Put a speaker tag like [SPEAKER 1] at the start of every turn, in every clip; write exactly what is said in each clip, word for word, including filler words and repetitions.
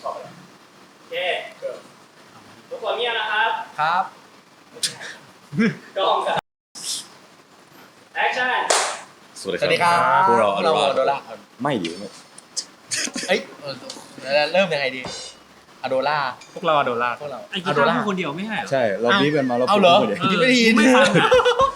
[SPEAKER 1] ชอบอะไรโอเคทุกคนเงียบนะครับ
[SPEAKER 2] ครับ
[SPEAKER 1] กล้องครับแอคชั่น
[SPEAKER 3] สวัส
[SPEAKER 2] สวัสดี
[SPEAKER 3] ดี
[SPEAKER 2] ค
[SPEAKER 3] ค
[SPEAKER 2] รั
[SPEAKER 3] รั
[SPEAKER 2] บบ
[SPEAKER 3] พวกเรา
[SPEAKER 2] เรา
[SPEAKER 3] อ
[SPEAKER 2] โด
[SPEAKER 3] โด
[SPEAKER 2] ล่า
[SPEAKER 3] ล่าไม่ดีไม่
[SPEAKER 2] เอ้ยเริ่มยังไงดีอโดล่า
[SPEAKER 4] พวกเราอะโดล่า
[SPEAKER 2] พวกเรา
[SPEAKER 4] ไอ้กีตาร์พูดคนเดียวไม่ใช่เหรอ
[SPEAKER 3] ใช่เราบีบกันมาเรา
[SPEAKER 2] เอาเหรอ
[SPEAKER 3] พูดกัน
[SPEAKER 2] ที่ไม่ได้ยิน
[SPEAKER 4] ไม่ฟังอ่ะ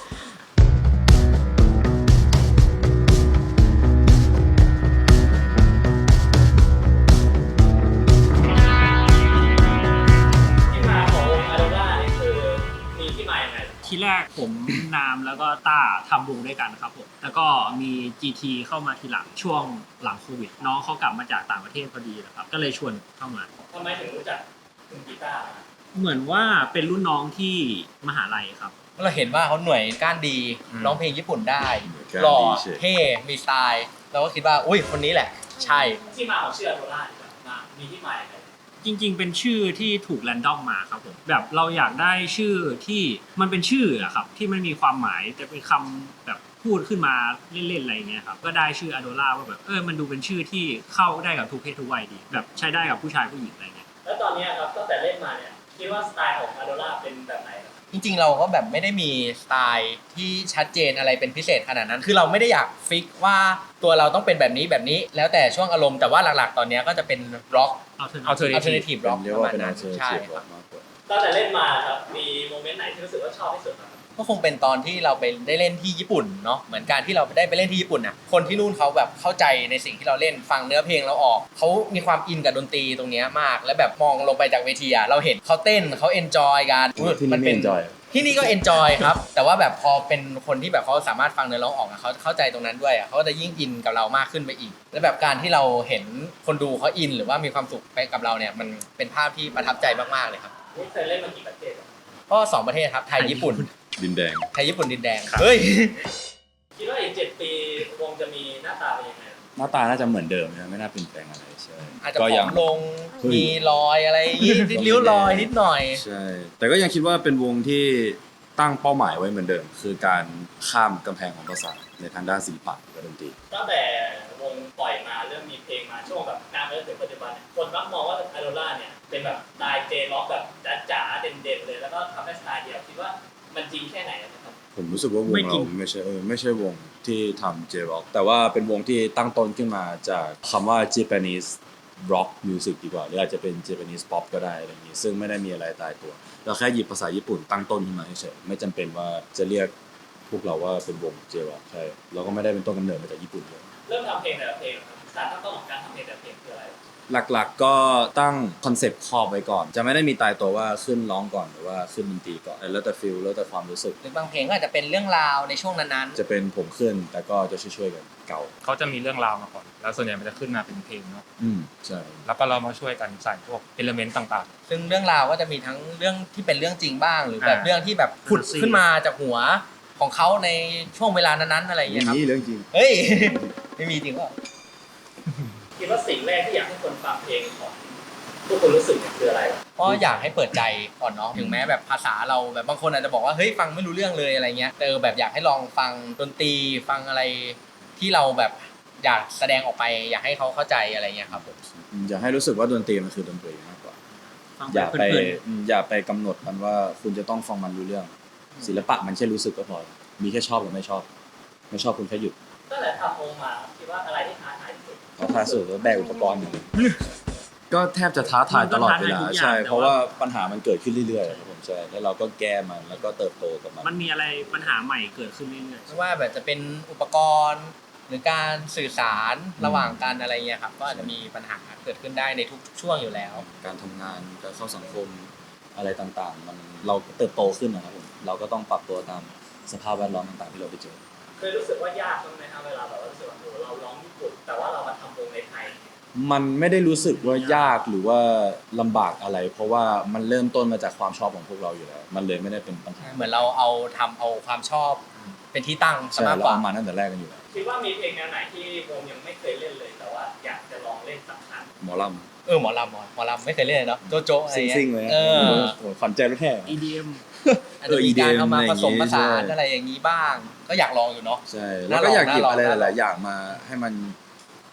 [SPEAKER 1] ที่มาของวงอะโดล่านี่คือมีที่มาอย่างไร
[SPEAKER 4] ทีแรกผม นามแล้วก็ต้าทำวงด้วยกันครับผมแล้วก็มี จี ที เข้ามาทีหลังช่วงหลังโควิดน้องเขากลับมาจากต่างประเทศพอดีนะครับก็เลยชวนเข้ามา
[SPEAKER 1] ทำไมถึงรู้จักคุณกีตาร์
[SPEAKER 4] เหมือนว่าเป็นรุ่นน้องที่มหาลัยครับ
[SPEAKER 2] เราเห็นว่าเขาหน่วยก้านดี
[SPEAKER 4] อืม
[SPEAKER 2] ร้องเพลงญี่ปุ่นได้
[SPEAKER 3] การ
[SPEAKER 2] หล่อ
[SPEAKER 3] ดีเฉย
[SPEAKER 2] เท่มีสไตล์เราก็คิดว่าอุ้ยคนนี้แหละ ใช่
[SPEAKER 1] ที่มาของชื่ออะโดล่าดีกว่ามามีที่มาอย่างไร
[SPEAKER 4] จริงๆ เป็นชื่อที่ถูกแรนดอมมาครับผมแบบเราอยากได้ชื่อที่มันเป็นชื่ออะครับที่มันมีความหมายแต่เป็นคำแบบพูดขึ้นมาเล่นๆอะไรอย่างเงี้ยครับก็ได้ชื่ออะโดล่าว่าแบบเออมันดูเป็นชื่อที่เข้าได้กับทุกเพศทุกวัยดีแบบใช้ได้กับผู้ชายผู้หญิงอะไรเงี้ย
[SPEAKER 1] แล้วตอนนี้ครับตั้งแต่เล่นมาเนี่ยคิดว่าสไตล์ของอะโดล่าเป็นแบบไหนครับ
[SPEAKER 2] จริงๆเราก็แบบไม่ได้มีสไตล์ที่ชัดเจนอะไรเป็นพิเศษขนาดนั้น คือเราไม่ได้อยากฟิกว่าตัวเราต้องเป็นแบบนี้แบบนี้แล้วแต่ช่วงอารมณ์แต่ว่าหลักๆตอนนี้ก็จะเป็นร็อก
[SPEAKER 4] เอาเถอะ
[SPEAKER 2] อัลเทอร์เนทีฟร็อก
[SPEAKER 3] เรียก
[SPEAKER 2] ประ
[SPEAKER 3] ว่า
[SPEAKER 2] มาณ
[SPEAKER 3] เป็น
[SPEAKER 2] นั้
[SPEAKER 3] อาน เชอร์
[SPEAKER 2] ใช่
[SPEAKER 3] เชีย
[SPEAKER 2] ครับ
[SPEAKER 3] มากกว่า
[SPEAKER 1] ตั้งแต่เล่นมาครับมีโมเมนต์ไหนที่รู้สึกว่าชอบที่สุดครับ
[SPEAKER 2] ก็คงเป็นตอนที่เราไปได้เล่นที่ญี่ปุ่นเนาะเหมือนการที่เราได้ไปเล่นที่ญี่ปุ่นน่ะคนที่นู่นเขาแบบเข้าใจในสิ่งที่เราเล่นฟังเนื้อเพลงเราออกเขามีความอินกับดนตรีตรงเนี้ยมาก แล้วแบบมองลงไปจากเวทีอะเราเห็นเขาเต้นเขาเอนจอยกันอุ๊ย
[SPEAKER 3] ที่นี่
[SPEAKER 2] มัน
[SPEAKER 3] ไม่
[SPEAKER 2] เป็น
[SPEAKER 3] เอนจอย
[SPEAKER 2] ที่นี่ก็เอนจอยครับ แต่ว่าแบบพอเป็นคนที่แบบเขาสามารถฟังเนื้อร้องออกอะเขาเข้าใจตรงนั้นด้วยอะเขาก็จะยิ่งอินกับเรามากขึ้นไปอีก แล้วแบบการที่เราเห็นคนดูเขาอิน หรือว่ามีความสุขไปกับเราเนี่ยมันเป็นภาพที่ประทับใจมากๆเลยครับ
[SPEAKER 1] นี่เคยเล่นมากี่ประเทศครับ
[SPEAKER 2] ก็สองประเทศครับไทยญี่ปุ่น
[SPEAKER 3] ดินแดง
[SPEAKER 2] ไทยญี่ปุ่นดินแดงเฮ้ย
[SPEAKER 1] คิดว่าอีกเจ็ดปีวงจะมีหน้าตาเป็นยังไงครับ
[SPEAKER 3] หน้าตาน่าจะเหมือนเดิมนะไม่น่าเปลี่ยนแปลงอะไรใช่
[SPEAKER 2] อาจจะ
[SPEAKER 3] ก็
[SPEAKER 2] ผ
[SPEAKER 3] ยั
[SPEAKER 2] อง มลง
[SPEAKER 3] เฮ้ย
[SPEAKER 2] มีรอยอะไรอย่างงี้ริ้วรอยนิดหน่อย
[SPEAKER 3] ใช่แต่ก็ยังคิดว่าเป็นวงที่ตั้งเป้าหมายไว้เหมือนเดิม คือการข้ามกำแพงของภาษาในทางด้านศิลปะกับดนตรี
[SPEAKER 1] ตั้งแต่วงปล่อยมาเริ่มมีเพลงมาช่วงแบบกลางไปจนถึงปัจจุบันเนี่ยคนมักมองว่าอะโดล่าเนี่ยเป็นแบบสไตล์เจร็อกแบบจ๋าๆเด่นๆเลยแล้วก็ทำให้สไตล์เดียวคิดว่ามันจริงแค่ไหนนะครับ
[SPEAKER 3] ผมรู้สึกว่าวง
[SPEAKER 4] ไม่จริ
[SPEAKER 3] เรา
[SPEAKER 4] ง
[SPEAKER 3] ไม่ใช่เออไม่ใช่วงที่ทำ J-Rock แต่ว่าเป็นวงที่ตั้งต้นขึ้นมาจากคำว่า Japanese Rock Music ดีกว่าหรืออาจจะเป็น Japanese Pop ก็ได้อะไรอย่างนี้ซึ่งไม่ได้มีอะไรตายตัวเราแค่หยิบภาษาญี่ปุ่นตั้งต้นขึ้นมาเฉยๆไม่จำเป็นว่าจะเรียกพวกเราว่าเป็นวง J-Rock ใช่เราก็ไม่ได้เป็นต้นกำเนิดมาจากญี่ปุ่นเลย
[SPEAKER 1] เริ่มทำเพลงแต่ละเพลงครับสารตั้งต้นของการทำเพลงแต่ละเพลงคืออะไร
[SPEAKER 3] หลักๆก็ตั้งคอนเซปต์ครอบไว้ก่อน จะไม่ได้มีตายตัวว่าขึ้นร้องก่อนหรือว่าขึ้นดนตรีก่อนแล้วแต่ฟิลแล้วแต่ความรู้สึก
[SPEAKER 2] หรือบางเพลงก็อาจจะเป็นเรื่องราวในช่วงนั้น
[SPEAKER 3] จะเป็นผมขึ้นแต่ก็จะช่วยๆกันเก่า
[SPEAKER 5] เขาจะมีเรื่องราวมาก่อน แล้วส่วนใหญ่มันจะขึ้นมาเป็นเพลงเนาะ
[SPEAKER 3] อืมใช่
[SPEAKER 5] แล้วก็เรามาช่วยกันใส่พวกเอลเมนต์ต่าง
[SPEAKER 2] ๆ ซึ่งเรื่องราวก็จะมีทั้งเรื่องที่เป็นเรื่องจริงบ้าง หรือแบบ
[SPEAKER 5] อ่า
[SPEAKER 2] เรื่องที่แบบผุดขึ้นมาจากหัวของเขาในช่วงเวลานั้นๆอะไรอย่าง
[SPEAKER 3] อ
[SPEAKER 2] เงี้
[SPEAKER 3] ย่าย ง
[SPEAKER 2] ครับ
[SPEAKER 3] นี้เรื่องจริง
[SPEAKER 2] เฮ้ย ไม่มีจริงเปล่า
[SPEAKER 1] คิดว่าสิ่งแรกที่อยากให้คนฟังเพลงของทุกคนรู้สึกเนี่ยคืออะไรครับ
[SPEAKER 2] เพราะอยากให้เปิดใจก่อนเนาะถึงแม้แบบภาษาเราแบบบางคนอาจจะบอกว่าเฮ้ยฟังไม่รู้เรื่องเลยอะไรเงี้ยแต่เออแบบอยากให้ลองฟังดนตรีฟังอะไรที่เราแบบอยากแสดงออกไป อยากให้เขาเข้าใจอะไรเงี้ยครับผม
[SPEAKER 3] อยากให้รู้สึกว่าดนตรีมันคือดนตรีมากกว่า
[SPEAKER 4] ฟัง
[SPEAKER 3] อย่าไป
[SPEAKER 4] เพลิน
[SPEAKER 3] อืมอย่าไปกำหนดมันว่าคุณจะต้องฟังมันรู้เรื่อง ศิลปะมันแค่รู้สึกก็พอมีแค่ชอบหรือไม่ชอบ ไม่ชอบคุณแค่หยุด
[SPEAKER 1] ตั้งแต่ทำวงมาคิดว่าอะไรที่ท้าทายที่สุด
[SPEAKER 3] ท้าทายสุดก็แบกอุปกรณ์อยู่ก็แทบจะท้าทายตลอดเวลาใช่เพราะว่าปัญหามันเกิดขึ้นเรื่อยๆครับผมใช่แล้วเราก็แก้มันแล้วก็เติบโตกับมัน
[SPEAKER 4] มันมีอะไรปัญหาใหม่เกิดขึ้นเรื่อย
[SPEAKER 2] ไม่ว่าแบบจะเป็นอุปกรณ์ หรือการสื่อสารระหว่างกันอะไรเงี้ยครับก็อาจจะมีปัญหาเกิดขึ้นได้ในทุกช่วงอยู่แล้ว
[SPEAKER 3] การทำงานการเข้าสังคมอะไรต่างๆ มันเราเติบโตขึ้นนะครับผมเราก็ต้องปรับตัวตามสภาพแวดล้อมต่างๆที่เราไปเจอ
[SPEAKER 1] เคยรู้สึกว่ายากบ้างไหมครับเวลาแบบว่ารู้สึกว่าโอ้เราร้องญี่ปุ่นแต่ว่าเรามาทำวงในไทย
[SPEAKER 3] มันไม่ได้รู้สึกว่ายากหรือว่าลำบากอะไร เพราะว่ามันเริ่มต้นมาจากความชอบของพวกเราอยู่แล้วมันเลยไม่ได้เป็นปัญหา
[SPEAKER 2] เหมือนเราเอาทำเอาความชอบเป็นที่ตั้งซะ
[SPEAKER 3] ใช่
[SPEAKER 2] มาก
[SPEAKER 3] เรา
[SPEAKER 2] กว่า
[SPEAKER 3] เอามาตั้งแต่แรกกันอยู่แล้ว
[SPEAKER 1] คิดว่ามีเพลงแนวไหนที่วงยังไม่เคยเล่นเลยแต่ว่าอยากจะลองเล่นสักครั้ง
[SPEAKER 3] หมอล
[SPEAKER 2] เออหมอลำหมอหมอลำไม่เคยเล่นเลยเนาะโจโจอะไร
[SPEAKER 3] ำ
[SPEAKER 2] เงี้ย
[SPEAKER 3] ซิ่งๆเลยนะ
[SPEAKER 2] เออ
[SPEAKER 3] โอ้โหขวัญใจรถแห่
[SPEAKER 4] ๆ อี ดี เอ็ม
[SPEAKER 2] อาจจะมีการเอามาผสมผสาน
[SPEAKER 3] ใช่
[SPEAKER 2] อะไรอย่างนี้บ้าง ก็อยากลองอยู่เนาะ
[SPEAKER 3] ใช่แล้วก็อยากหยิบอะไรหลายๆอย่างมาให้มัน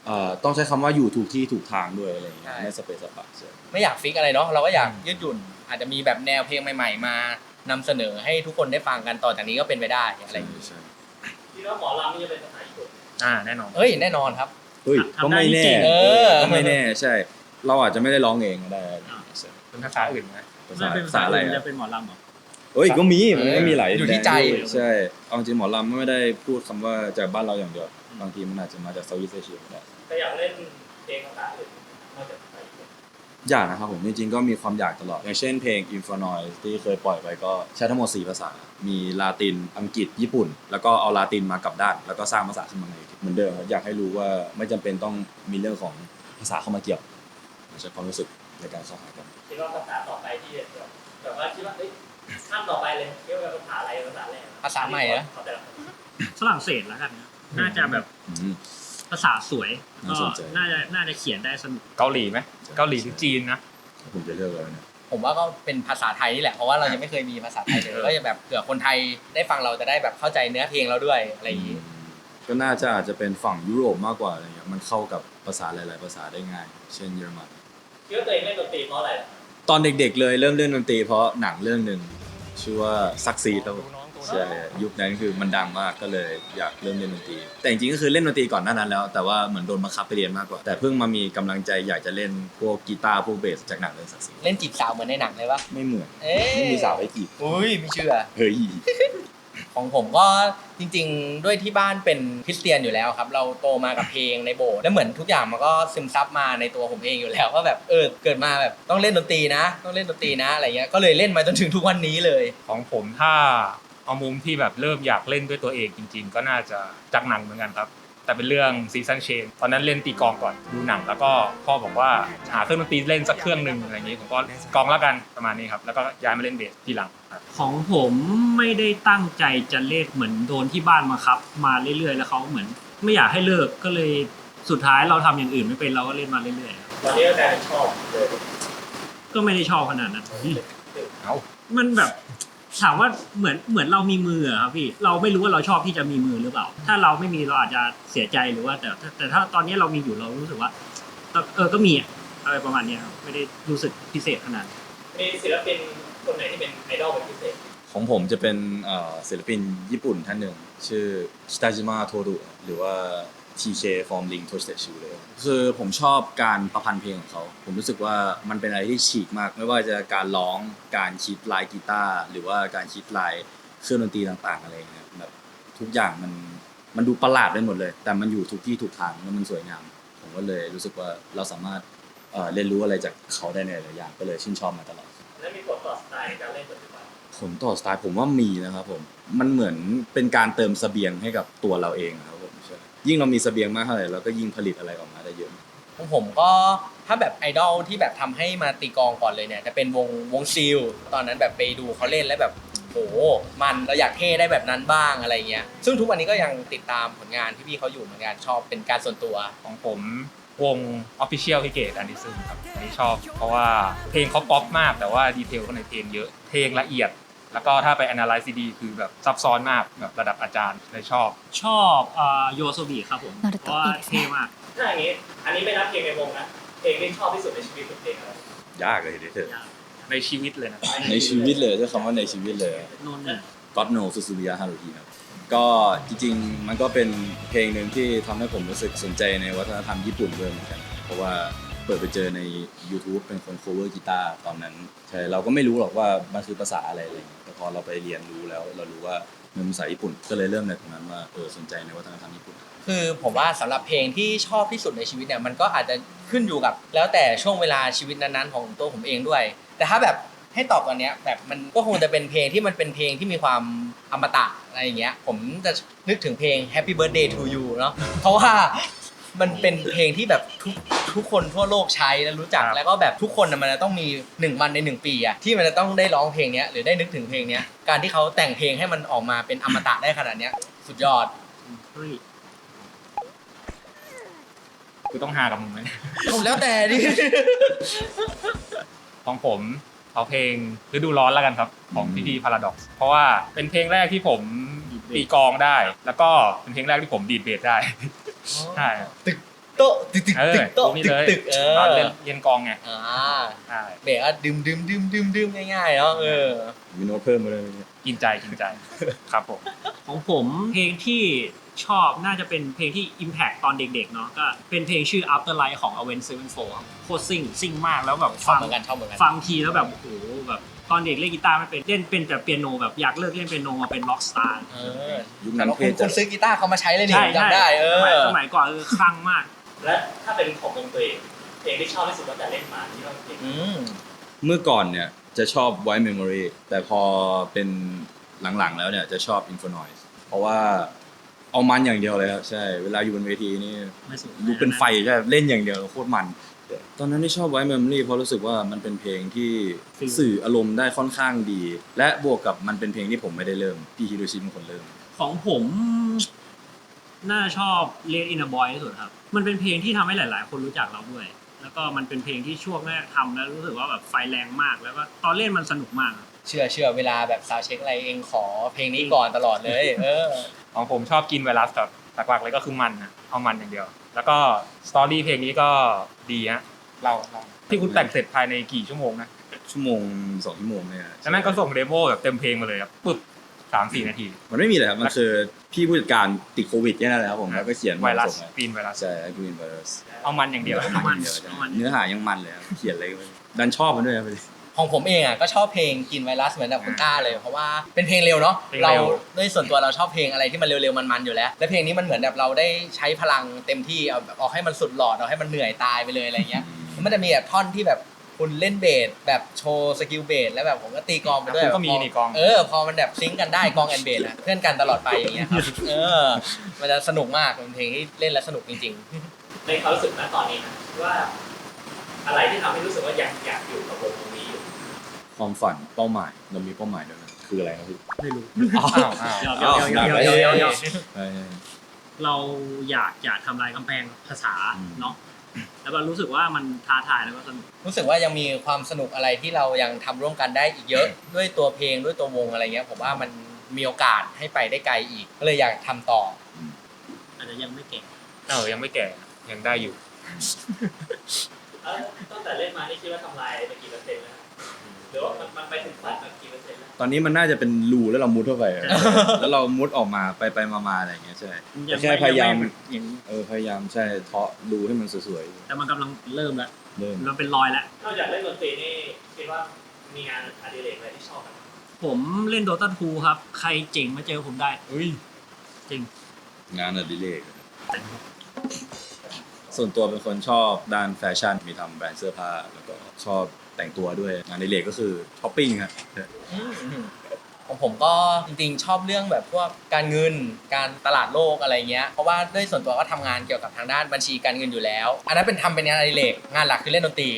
[SPEAKER 3] เอ่อต้องใช้คำว่าอยู่ถูกที่ถูกทางด้วยอะไรอย่างเงี้ย
[SPEAKER 2] ใช่
[SPEAKER 3] ไม่สเปซสปะใช่
[SPEAKER 2] ไม่อยากฟิกอะไรเนาะเราก็อยากยืดหยุ่น อาจจะมีแบบแนวเพลงใหม่ๆ มานำเสนอให้ทุกคนได้ฟังกันต่อจากนี้ก็เป็นไปได้อะไรอย่างงี้
[SPEAKER 3] ใช่
[SPEAKER 1] คิดว่าหมอลำนี่จะเป็นภาษาญี่ปุ่น
[SPEAKER 5] อ่าแน่นอน
[SPEAKER 2] เอ้ยแน่นอนครับ
[SPEAKER 3] เฮ้ยก็ไม่แน่
[SPEAKER 2] เออ
[SPEAKER 3] ก็ไม่แน่ใช่ เราอาจจะไม่ได้ร้องเองก็ได้ใช่
[SPEAKER 5] เป็นภาษาอื่นไหม
[SPEAKER 3] ภา
[SPEAKER 4] ไม่
[SPEAKER 3] ษา
[SPEAKER 4] เป็น
[SPEAKER 3] ภา
[SPEAKER 4] ภา
[SPEAKER 3] ษา
[SPEAKER 4] ษา
[SPEAKER 3] อะไร
[SPEAKER 4] อื่น
[SPEAKER 3] อะ
[SPEAKER 4] จะเป็นหมอลำเหรอ
[SPEAKER 3] เอ้ยก็มีมันก็มีหลาย
[SPEAKER 2] อยู่ที่ใจ
[SPEAKER 3] แดนด้วยใช่เอาจริงหมอลำไม่ได้พูดคำว่าจากบ้านเราอย่างเดียวบางทีมันอาจจะมาจากเซาท์อีสต์เอเชียก็ได้
[SPEAKER 1] แต่อยากเล่นเพลงภาษาอื่นนอกจากภาษาญี่ปุ่น
[SPEAKER 3] อยากนะครับผมจริงๆก็มีความอยากตลอดอย่างเช่นเพลง Infernoise ที่เคยปล่อยไปก็ใช้ทั้งหมดสี่ภาษา มีลาตินอังกฤษญี่ปุ่น แล้วก็เอาลาตินมากลับด้านแล้วก็สร้างภาษาขึ้นมาใหม่เหมือนเดิมครับอยากให้รู้ว่าไม่จำเป็นต้องมีเรื่องของภาษาเข้ามาเกี่ยวใช้ความรู้สึกในการเข้าหากัน
[SPEAKER 1] คิดว่าภาษาต่อไปที่แบบแบบว่าคิดว่าเอ้ยขั้นต่อไปเลยคิดว่าภาษาอะไรภาษาแรก
[SPEAKER 2] ภาษาใหม่เหรอ
[SPEAKER 1] ขแต่ละคน
[SPEAKER 4] ฝรั่งเศสแล้วกันนะน่าจะแบบ
[SPEAKER 3] อืม
[SPEAKER 4] ภาษาสวย
[SPEAKER 3] น่า
[SPEAKER 4] ก็
[SPEAKER 3] สนใจ
[SPEAKER 4] น่าจะน่าจะเขียนได้สนุก
[SPEAKER 5] เกาหลีไหมเกาหลีหรือจีนนะ
[SPEAKER 3] ผมจะเลือกอะไรเนี่ย
[SPEAKER 2] ผมว่าก็เป็นภาษาไทยนี่แหละเพราะว่าเรายังไม่เคยมีภาษาไทยเลย
[SPEAKER 5] เออ
[SPEAKER 2] ก็จะแบบเผื่อคนไทยได้ฟังเราจะได้แบบเข้าใจเนื้อเพลงเราด้วยอะไรอย่างนี้
[SPEAKER 3] ก็น่าจะอาจจะเป็นฝั่งยุโรปมากกว่าอะไรเงี้ยมันเข้ากับภาษาหลายๆภาษาได้ง่าย เช่นเยอรมัน
[SPEAKER 1] คิดว่าตัวเองเล่นดนตรีเพราะอะไรล่ะ
[SPEAKER 3] ตอนเด็กๆเลยเริ่มเล่นดนตรีเพราะหนังเรื่องหนึ่งชื่อว่าซักซีดครับผมใช่ยุคนั้นคือมันดังมากก็เลยอยากเริ่มเล่นดนตรีแต่จริงๆก็คือเล่นดนตรีก่อนหน้านั้นแล้วแต่ว่าเหมือนโดนบังคับไปเรียนมากกว่าแต่เพิ่งมามีกำลังใจอยากจะเล่นพวกกีตาร์พวกเบสจากหนังเรื่องซักซีด
[SPEAKER 2] เล่นจีบสาวเหมือนในหนังเลยปะ
[SPEAKER 3] ไม่เหมือน
[SPEAKER 2] เอ๊ะ
[SPEAKER 3] ไม่มีสาวให้จีบ
[SPEAKER 2] อุ้ยไม่เชื่อ
[SPEAKER 3] เฮ้ย
[SPEAKER 2] ของผมก็จริงๆ ด้วยที่บ้านเป็นคริสเตียนอยู่แล้วครับ เราโตมากับเพลงในโบสถ์แล้วเหมือนทุกอย่างมันก็ซึมซับมาในตัวผมเองอยู่แล้วว่าแบบเออเกิดมาแบบต้องเล่นดนตรีนะ ต้องเล่นดนตรีนะอะไรเงี้ยก็เลยเล่นมาจนถึงทุกวันนี้เลย
[SPEAKER 5] ของผมถ้าเอามุมที่แบบเริ่มอยากเล่นด้วยตัวเองจริง ๆ ก็น่าจะจากหนังเหมือนกันครับ แต่เป็นเรื่องซีซันเชนตอนนั้นเล่นตีกลองก่อนดูหนังแล้วก็พ่อบอกว่าหาเครื่องดนตรีเล่นสักเครื่องหนึ่งอะไรอย่างนี้ผมก็กลองแล้วกันประมาณนี้ครับแล้วก็ย้ายมาเล่นเบสทีหลังครับ
[SPEAKER 4] ของผมไม่ได้ตั้งใจจะเล่นเหมือนโดนที่บ้านมาครับ มาเรื่อยๆแล้วเขาเหมือนไม่อยากให้เลิกก็เลยสุดท้ายเราทำอย่างอื่นไม่เป็นเราก็เล่นมาเรื่อย
[SPEAKER 1] ตอนนี้ก็กลายเป็นชอบเลย
[SPEAKER 4] ๆก็ไม่ได้ชอบขนาดนั้น
[SPEAKER 5] เอา
[SPEAKER 4] มันแบบถามว่าเหมือนเหมือนเรามีมืออะครับพี่เราไม่รู้ว่าเราชอบที่จะมีมือหรือเปล่า ถ้าเราไม่มีเราอาจจะเสียใจหรือว่าแต่แต่แต่ถ้าตอนนี้เรามีอยู่เรารู้สึกว่าเออก็มีอะอะไรประมาณเนี้ยครับไม่ได้รู้สึกพิเศษขนาดนั้น
[SPEAKER 1] มีศิลปินคนไหนที่เป็นไอดอลเป็นพิเศษ
[SPEAKER 3] ของผมจะเป็นเอ่อศิลปินญี่ปุ่นท่านหนึ่งชื่อชิตาจิมะโทรุหรือว่า ที เค from Link to State Shoe เลยคือผมชอบการประพันธ์เพลงของเขาผมรู้สึกว่ามันเป็นอะไรที่ฉีกมากไม่ว่าจะการร้องการคิดลายกีตาร์หรือว่าการคิดลายเครื่องดนตรีต่างๆอะไรอย่างเงี้ยแบบทุกอย่างมันมันดูประหลาดไปหมดเลย แต่มันอยู่ทุกที่ทุกทางแล้วมันสวยงามผมก็เลยรู้สึกว่าเราสามารถเอ่อเรียนรู้อะไรจากเขาได้ในหลายอย่างก็เลยชื่นชอบมาตลอด
[SPEAKER 1] แล้วมีผลต่อสไตล์ในการเล่นปัจจุบัน
[SPEAKER 3] ผลต่อสไตล์ผมว่ามีนะครับผมมันเหมือนเป็นการเติมเสบียงให้กับตัวเราเองครับผมใช่ยิ่งเรามีเสบียงมากเท่าไหร่เราก็ยิ่งผลิตอะไรออกมาได้เยอะ
[SPEAKER 2] ของผมก็ถ้าแบบไอดอลที่แบบทำให้มาตีกลองก่อนเลยเนี่ยจะเป็นวงวงซิลตอนนั้นแบบไปดูเขาเล่นแล้วแบบโหมันเราอยากเท่ได้แบบนั้นบ้างอะไรเงี้ยซึ่งทุกวันนี้ก็ยังติดตามผลงานที่พี่เขาอยู่เหมือนกันชอบเป็นการส่วนตัว
[SPEAKER 5] ของผมวง Official พิเกตอันดิซึมครับอันนี้ชอบ เพราะว่าเพลงเขาป๊อปมากแต่ว่าดีเทลข้างในเพลงเยอะเพลงละเอียด แล้วก็ถ้าไป analyze ดีๆคือแบบซับซ้อนมากแบบระดับอาจารย์เลยชอบ
[SPEAKER 4] ชอบอ่าโยโซบิครับผมเพราะว่าเท่มาก
[SPEAKER 1] ถ้าอย่างนี้ อันนี้ไม่นับเพลงในวงนะ เพลงที่ชอบที่สุดในชีวิตคือเพลงอะไร
[SPEAKER 3] ยากเลยทีเดียว
[SPEAKER 5] ในชีวิตเลยนะ
[SPEAKER 3] ในชีวิตเลยใช้คำว่าในชีวิตเลย
[SPEAKER 4] นนท์
[SPEAKER 3] God No Suzumiya Haruhi ครับก็จริงๆมันก็เป็นเพลงหนึ่งที่ทำให้ผมรู้สึกสนใจในวัฒนธรรมญี่ปุ่นด้วยเหมือนกันเพราะว่าเปิดไปเจอใน YouTube เป็นคน cover กีตาร์ตอนนั้นใช่เราก็ไม่รู้หรอกว่ามันคือภาษาอะไรอะไรอย่างเงี้ยแต่พอเราไปเรียนรู้แล้วเรารู้ว่ามันเป็นภาษาญี่ปุ่นก็เลยเริ่มในตรงนั้นว่าเออสนใจในวัฒนธรรมญี่ปุ่น
[SPEAKER 2] คือผมว่าสำหรับเพลงที่ชอบที่สุดในชีวิตเนี่ยมันก็อาจจะขึ้นอยู่กับแล้วแต่ช่วงเวลาชีวิตนั้นๆของตัวผมเองด้วย แต่ถ้าแบบให้ตอบตอนเนี้ยแบบมันก็คงจะเป็นเพลงที่มันเป็นเพลงที่มีความอมตะอะไรอย่างเงี้ยผมจะนึกถึงเพลง Happy Birthday to You เนาะเพราะว่ามันเป็นเพลงที่แบบทุกทุกคนทั่วโลกใช้และรู้จัก
[SPEAKER 5] ครับ
[SPEAKER 2] แล้วก็แบบทุกคนน่ะมันจะต้องมีหนึ่งวันในหนึ่งปีอะที่มันจะต้องได้ร้องเพลงเนี้ยหรือได้นึกถึงเพลงเนี้ยการที่เขาแต่งเพลงให้มันออกมาเป็นอมตะได้ขนาดเนี้ยสุดยอด
[SPEAKER 4] เฮ้ย
[SPEAKER 5] คือต้องหากับมึงไหม
[SPEAKER 2] ผมแล้วแต่ดิ
[SPEAKER 5] ของผมเอาเพลงฤดูร้อนแล้วกันครับของพี่พีพาราด็อกซ์เพราะว่าเป็นเพลงแรกที่ผมตีกลองได้ แล้วก็เป็นเพลงแรกที่ผมดีดเบสได้ ใช่
[SPEAKER 2] ตึกโต๊ะตึกตึก
[SPEAKER 5] เออ
[SPEAKER 2] ตึกโต๊ะ
[SPEAKER 5] พวกนี้
[SPEAKER 2] ตึ
[SPEAKER 5] เล
[SPEAKER 2] ก
[SPEAKER 5] ย
[SPEAKER 2] ตึกเอ
[SPEAKER 5] ตอน
[SPEAKER 2] อ
[SPEAKER 5] เล่นเรียนกองไง
[SPEAKER 2] อ่า
[SPEAKER 5] ใช่
[SPEAKER 2] เบรกก็ดื่มดื่มดื่มดื่มดื่มง่ายๆเนาะเออ
[SPEAKER 3] มีโน้ตเพิ่มมาเลยเนี่ย
[SPEAKER 5] กินใจกินใจครับผม
[SPEAKER 4] ของผมเพลงที่ชอบน่าจะเป็นเพลงที่ Impact ตอนเด็กๆเนาะก็เป็นเพลงชื่อ Afterlife ของ Avenged Sevenfold ครับโคตรซิ่งซิ่งมากแล้วแบบ
[SPEAKER 2] ชอบ
[SPEAKER 4] ฟัง
[SPEAKER 2] เหมือนกันชอบเหมือนกัน
[SPEAKER 4] ฟังทีแล้วแบบโอ้โหแบบตอนเด็กเล่นกีตาร์ไม่เป็นเล่นเป็นแต่เปียโนแบบอยากเลิกเล่นเปียโนมาเป็นร็อกสตาร์
[SPEAKER 2] เออ
[SPEAKER 3] ยุค
[SPEAKER 2] แต่
[SPEAKER 3] นั้น
[SPEAKER 2] ว่า
[SPEAKER 3] เท่
[SPEAKER 2] คุณ
[SPEAKER 3] จั
[SPEAKER 2] คุ
[SPEAKER 3] ด
[SPEAKER 2] ณซื้อกีตาร์เขามาใช้เลยนี่
[SPEAKER 4] ใช่
[SPEAKER 2] จำได้เอ
[SPEAKER 4] สมัย
[SPEAKER 2] อ
[SPEAKER 4] สมัยก่อนเออคลั่งมาก
[SPEAKER 1] และถ้าเป็นของวงตัวเองเพลงที่ชอบที่สุดตั้งแต่เล่นมาที่ว่าเพลง
[SPEAKER 2] อืม
[SPEAKER 3] เมื่อก่อนเนี่ยจะชอบ White Memory แต่พอเป็นหลังๆแล้วเนี่ยจะชอบ Infonoise เพราะว่าเอามันอย่างเดียวเลยครับใช่เวลาอยู่บนเวทีนี่
[SPEAKER 4] ไม่สุด
[SPEAKER 3] ลุกเป็นไฟใช่เล่นอย่างเดียวโคตรมัน ตอนนั้นที่ชอบ White Memory เพราะรู้สึกว่ามันเป็นเพลงที่สื่ออารมณ์ได้ค่อนข้างดี และบวกกับมันเป็นเพลงที่ผมไม่ได้เริ่มพี่ฮิโรชิเป็นคนเริ่ม
[SPEAKER 4] ของผมน่าชอบ Let in a Boy ที่สุดครับมันเป็นเพลงที่ทำให้หลายๆ คนรู้จักเราด้วย แล้วก็มันเป็นเพลงที่ช่วงแรกทำแล้วรู้สึกว่าแบบไฟแรงมากแล้วก็ตอนเล่นมันสนุกมากครับ
[SPEAKER 2] เชื่อเชื่อเวลาแบบซาวด์เช็คอะไรเองขอเพลงนี้ก่อนตลอดเลย เออ
[SPEAKER 5] ของผมชอบกินไวรัสครับหลักๆเลยก็คือมันนะเอามันอย่างเดียว แล้วก็สตอรี่เพลงนี้ก็ดีฮะเราเราที่คุณแต่งเสร็จภายในกี่ชั่วโมงนะ
[SPEAKER 3] ชั่วโมงสองชั่วโมงเนี่ย
[SPEAKER 5] จากนั้นก็ส่งเดโมแบบเต็มเพลงมาเลยครับปึ๊บสามสี่นาที
[SPEAKER 3] มันไม่มีเลยครับมันคือพี่ผู้จัดการติดโควิดแค่นั้นแหละครับผมแล้วก็เขียน
[SPEAKER 5] ไวรัส
[SPEAKER 3] ส่งมา
[SPEAKER 5] ปีนไวรัส
[SPEAKER 3] ใช่กรีนไวรัส
[SPEAKER 5] เอามันอย่างเดียว
[SPEAKER 4] เอามัน
[SPEAKER 3] เดียวใช่
[SPEAKER 4] เอามัน
[SPEAKER 3] เนื้อหายังมันเลยครับเขียนอะไรก็ไม่รู้ดันชอบมันด้วยครับ
[SPEAKER 2] ของผมเองอ่ะก็ชอบเพลงกินไวรัสเหมือนกับคุณต้าเลยเพราะว่าเป็นเพลงเร็วเนาะ
[SPEAKER 5] เพลง
[SPEAKER 2] เรา
[SPEAKER 5] เร็ว
[SPEAKER 2] ด้วยส่วนตัวเราชอบเพลงอะไรที่มันเร็วๆมันๆอยู่แล้ว และเพลงนี้มันเหมือนแบบเราได้ใช้พลังเต็มที่เอาแบบเอาให้มันสุดหลอดเอาให้มันเหนื่อยตายไปเลยอะไรเงี้ยแล้วมันจะมีแบบท่อนที่แบบคุณเล่นเบสแบบโชว์สกิลเบสแล้วแบบผมก็ตีกลองไปด้วย
[SPEAKER 5] คุณก็มี
[SPEAKER 2] พอ
[SPEAKER 5] นี่กลอง
[SPEAKER 2] เออพอมันแบบซิงค์กันได้กลองแอนเบสอะเพื่อนกันตลอดไปอย่างเงี้ยครับเออมันจะสนุกมากเป็นเพลงที่เล่นแล้วสนุกจริงๆ
[SPEAKER 1] ในความรู้สึกณตอนนี้นะว่า อะไรที่ทำให้รู้สึกว่าอยากอยากอยู่กับวงนี้อยู่
[SPEAKER 3] ความฝันเป้าหมายเรามีเป้าหมายด้วยนะคืออะไรครับพี่
[SPEAKER 4] ไม่รู้
[SPEAKER 5] อ้าวอ้าว
[SPEAKER 4] เดี๋ยวเดี๋ยวเดี๋ยวเดี๋ยวเดี๋ยวเดี๋ยว
[SPEAKER 3] ใช่
[SPEAKER 4] เราอยากจะทำลายกำแพงภาษา
[SPEAKER 3] อืม
[SPEAKER 4] เนาะแล้วก็รู้สึกว่ามันท้าทายแล้วก็สนุก
[SPEAKER 2] รู้สึกว่ายังมีความสนุกอะไรที่เรายังทำร่วมกันได้อีกเยอะ ด้วยตัวเพลงด้วยตัววงอะไรเงี้ยผมว่ามันมีโอกาสให้ไปได้ไกลอีก ก็เลยอยากทำต่อ
[SPEAKER 4] อาจจะยังไม่เก่ง
[SPEAKER 5] เออยังไม่แก่ยังได้อยู่
[SPEAKER 1] เอ้าตั้งแต่เล่นมานี่คิดว่าทำลายไปกี่เปอร์เซ็นต์แล้วหรือว่ามันมันไปถึงฝันแบบกี่เปอร์เซ็นต์แล้ว
[SPEAKER 3] ตอนนี้มันน่าจะเป็นรูแล้วเรามุดเข้าไปอะแล้วเรามุดออกมาไปไปมามาอะไรอย่างเงี้ยใช่
[SPEAKER 4] ยัง
[SPEAKER 3] แค่
[SPEAKER 4] ไม่
[SPEAKER 3] พยายาม
[SPEAKER 4] งไม่อย่างนี้
[SPEAKER 3] เออพยายามใช่เทาะรูให้มันสวย
[SPEAKER 4] แต่มันกำลังเริ่มแล้ว
[SPEAKER 3] ๆเริ่ม
[SPEAKER 4] มันเป็นรอยแล้ว
[SPEAKER 1] นอกจากเล่นดนตรีนี่คิดว่ามีงานอดิเรกอะไรที่ชอบไหม
[SPEAKER 4] ผมเล่นโดตาทูครับ ใครเจ๋งมาเจอผมได้
[SPEAKER 5] อุ้ย
[SPEAKER 4] จริง
[SPEAKER 3] งานอดิเรกส่วนตัวเป็นคนชอบด้านแฟชั่นมีทำแบรนด์เสื้อผ้าแล้วก็ชอบแต่งตัวด้วยงานอดิเรกก็คือช้อปปิ้งครับ
[SPEAKER 2] ของผมก็จริงๆชอบเรื่องแบบพวกการเงินการตลาดโลกอะไรเงี้ยเพราะว่าด้วยส่วนตัวก็ทำงานเกี่ยวกับทางด้านบัญชีการเงินอยู่แล้ว อันนั้นเป็นทำเป็นงานอดิเรกงานหลักคือเล่นดนตรี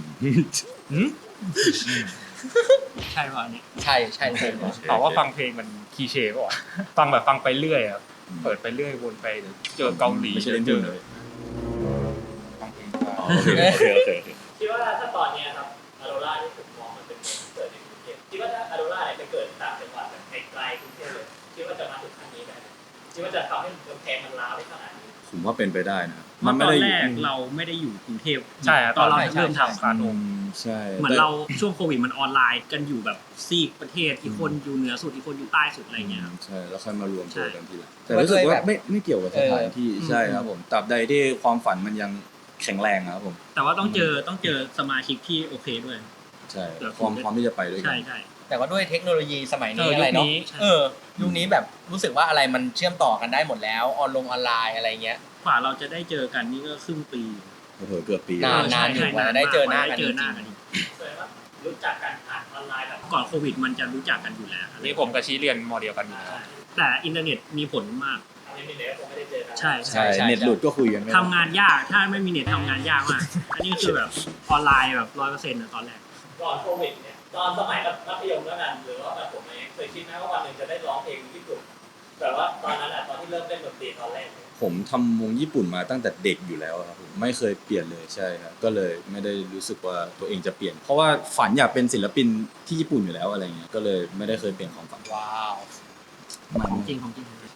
[SPEAKER 4] ใช่ป่ะอันนี้
[SPEAKER 2] ใช่ใช่ใช่
[SPEAKER 5] ตอบว่าฟังเพลงมันคีเช่ป่ะวะฟังแบบฟังไปเรื่อยครับเปิดไปเรื่อยวนไปเดี๋ยวเจอเกาหลี
[SPEAKER 3] ไม่ใช่เล่น
[SPEAKER 5] เจ
[SPEAKER 3] หุ้
[SPEAKER 5] อน
[SPEAKER 3] เลย
[SPEAKER 5] ฟังเพลง
[SPEAKER 3] อ๋อโอเคโอเคโอเคโอเค
[SPEAKER 1] คิดว่าถ้าตอนเนี้ยครับอโรราที่ผมมองมันเป็นเมืองที่เกิดในกรุงเทพคิดว่าถ้าอโรราเนี่ยไปเกิดต่างจังหวัดแบบไกลๆกรุงเทพเลยคิดว่าจะมาถึงขั้นนี้ไหมคิดว่าจะทำให้กำแพงมันร้าวได้ขนาดนี้
[SPEAKER 3] ผมว่าเป็นไปได้นะ
[SPEAKER 4] เมื่อตอน
[SPEAKER 3] ได้
[SPEAKER 4] แรกเราไม่ได้อยู่กรุงเทพ
[SPEAKER 5] ใช่ครับ
[SPEAKER 4] ตอนเรา
[SPEAKER 5] ใช่
[SPEAKER 4] เริ่มทำ
[SPEAKER 5] ฟาโน
[SPEAKER 3] อืมใช่
[SPEAKER 4] เหมือนเราช่วงโควิดมันออนไลน์กันอยู่แบบซีกประเทศอีกคนอยู่เหนือสุดอีกคนอยู่ใต้สุดอะไรเงี้ยครับ
[SPEAKER 3] ใช่แล้วค่อยมารวมตัวกันทีหลังแต่
[SPEAKER 2] ว่า
[SPEAKER 3] รู้สึก
[SPEAKER 2] ด้วย
[SPEAKER 3] ว่า
[SPEAKER 2] แบบ
[SPEAKER 3] ไม่ไม่เกี่ยวกับสถานที่
[SPEAKER 4] เออ
[SPEAKER 3] ใช่ครับผมตราบใดที่ความฝันมันยังแข็งแรงอะครับผม
[SPEAKER 4] แต่ว่าต้องเจอต้องเจอสมาชิกที่โอเคด้วย
[SPEAKER 3] ใช่
[SPEAKER 4] เดี๋ยว
[SPEAKER 3] ความพร้อมที่จะไปด้วยกั
[SPEAKER 4] ใช่
[SPEAKER 3] น
[SPEAKER 4] ใช่
[SPEAKER 2] แต่ว่าด้วยเทคโนโลยีสมัย
[SPEAKER 4] เอ
[SPEAKER 2] นี้
[SPEAKER 4] อ
[SPEAKER 2] อะไรเนาะ
[SPEAKER 4] ยุคนี้ใช่
[SPEAKER 2] เออยุคนี้แบบรู้สึกว่าอะไรมันเชื่อมต่อกันได้หมดแล้วออนลงออนไลน์อะไรเงี้ย
[SPEAKER 4] กว่าเราจะได้เจอกันนี่ก็ครึ่งปี
[SPEAKER 3] โอ้โหเกือบปี
[SPEAKER 2] นาน
[SPEAKER 4] ใช่ใช่
[SPEAKER 2] กว่าจะได้เจอหน้ากัน
[SPEAKER 4] ได้เจอหน้ากันอีก
[SPEAKER 1] แสดงว่ารู้จักกันผ่านออนไลน์แบบ
[SPEAKER 4] ก่อนโควิดมันจะรู้จักกันอยู่แล้ว
[SPEAKER 5] นี่ผมกับชี้เรียนมอเดียวกันอยู่แล้ว
[SPEAKER 4] แต่อินเทอร์เน็ตมีผลมาก
[SPEAKER 1] อันนี้มีเน็ตคงไม่ได้เจอกัน
[SPEAKER 4] ใช่
[SPEAKER 3] ใช่เน็ตหลุดก็คุยกันไม่ได้
[SPEAKER 4] ทำงานยากถ้าไม่มีเน็ตทำงานยากมาก อันนี้คือแบบออนไลน์แบบร้อยเปอร์เซ็นต์ตอนแรก
[SPEAKER 1] ก่อนโควิดเนี่ยตอนสมัยแบบมัธยมแล้วกันหรือว่าแบบผมเองเคยคิดไหมว่าวันหนึ่งจะได้ร้องเพลงญี่ปุ่นแบบว่าตอนนั้นอ่ะตอนที่เริ่มเล่นดนตรีตอนแรกเนี่ย
[SPEAKER 3] ผมทำวงญี่ปุ่นมาตั้งแต่เด็กอยู่แล้วครับผมไม่เคยเปลี่ยนเลยใช่ครับก็เลยไม่ได้รู้สึกว่าตัวเองจะเปลี่ยน เพราะว่าฝันอยากเป็นศิลปินที่ญี่ปุ่นอยู่แล้วอะไรเงี้ยก็เลยไม่ได้เคยเปลี่ยนความฝัน
[SPEAKER 2] ว้าว
[SPEAKER 3] มัน
[SPEAKER 4] ของจริงของจริง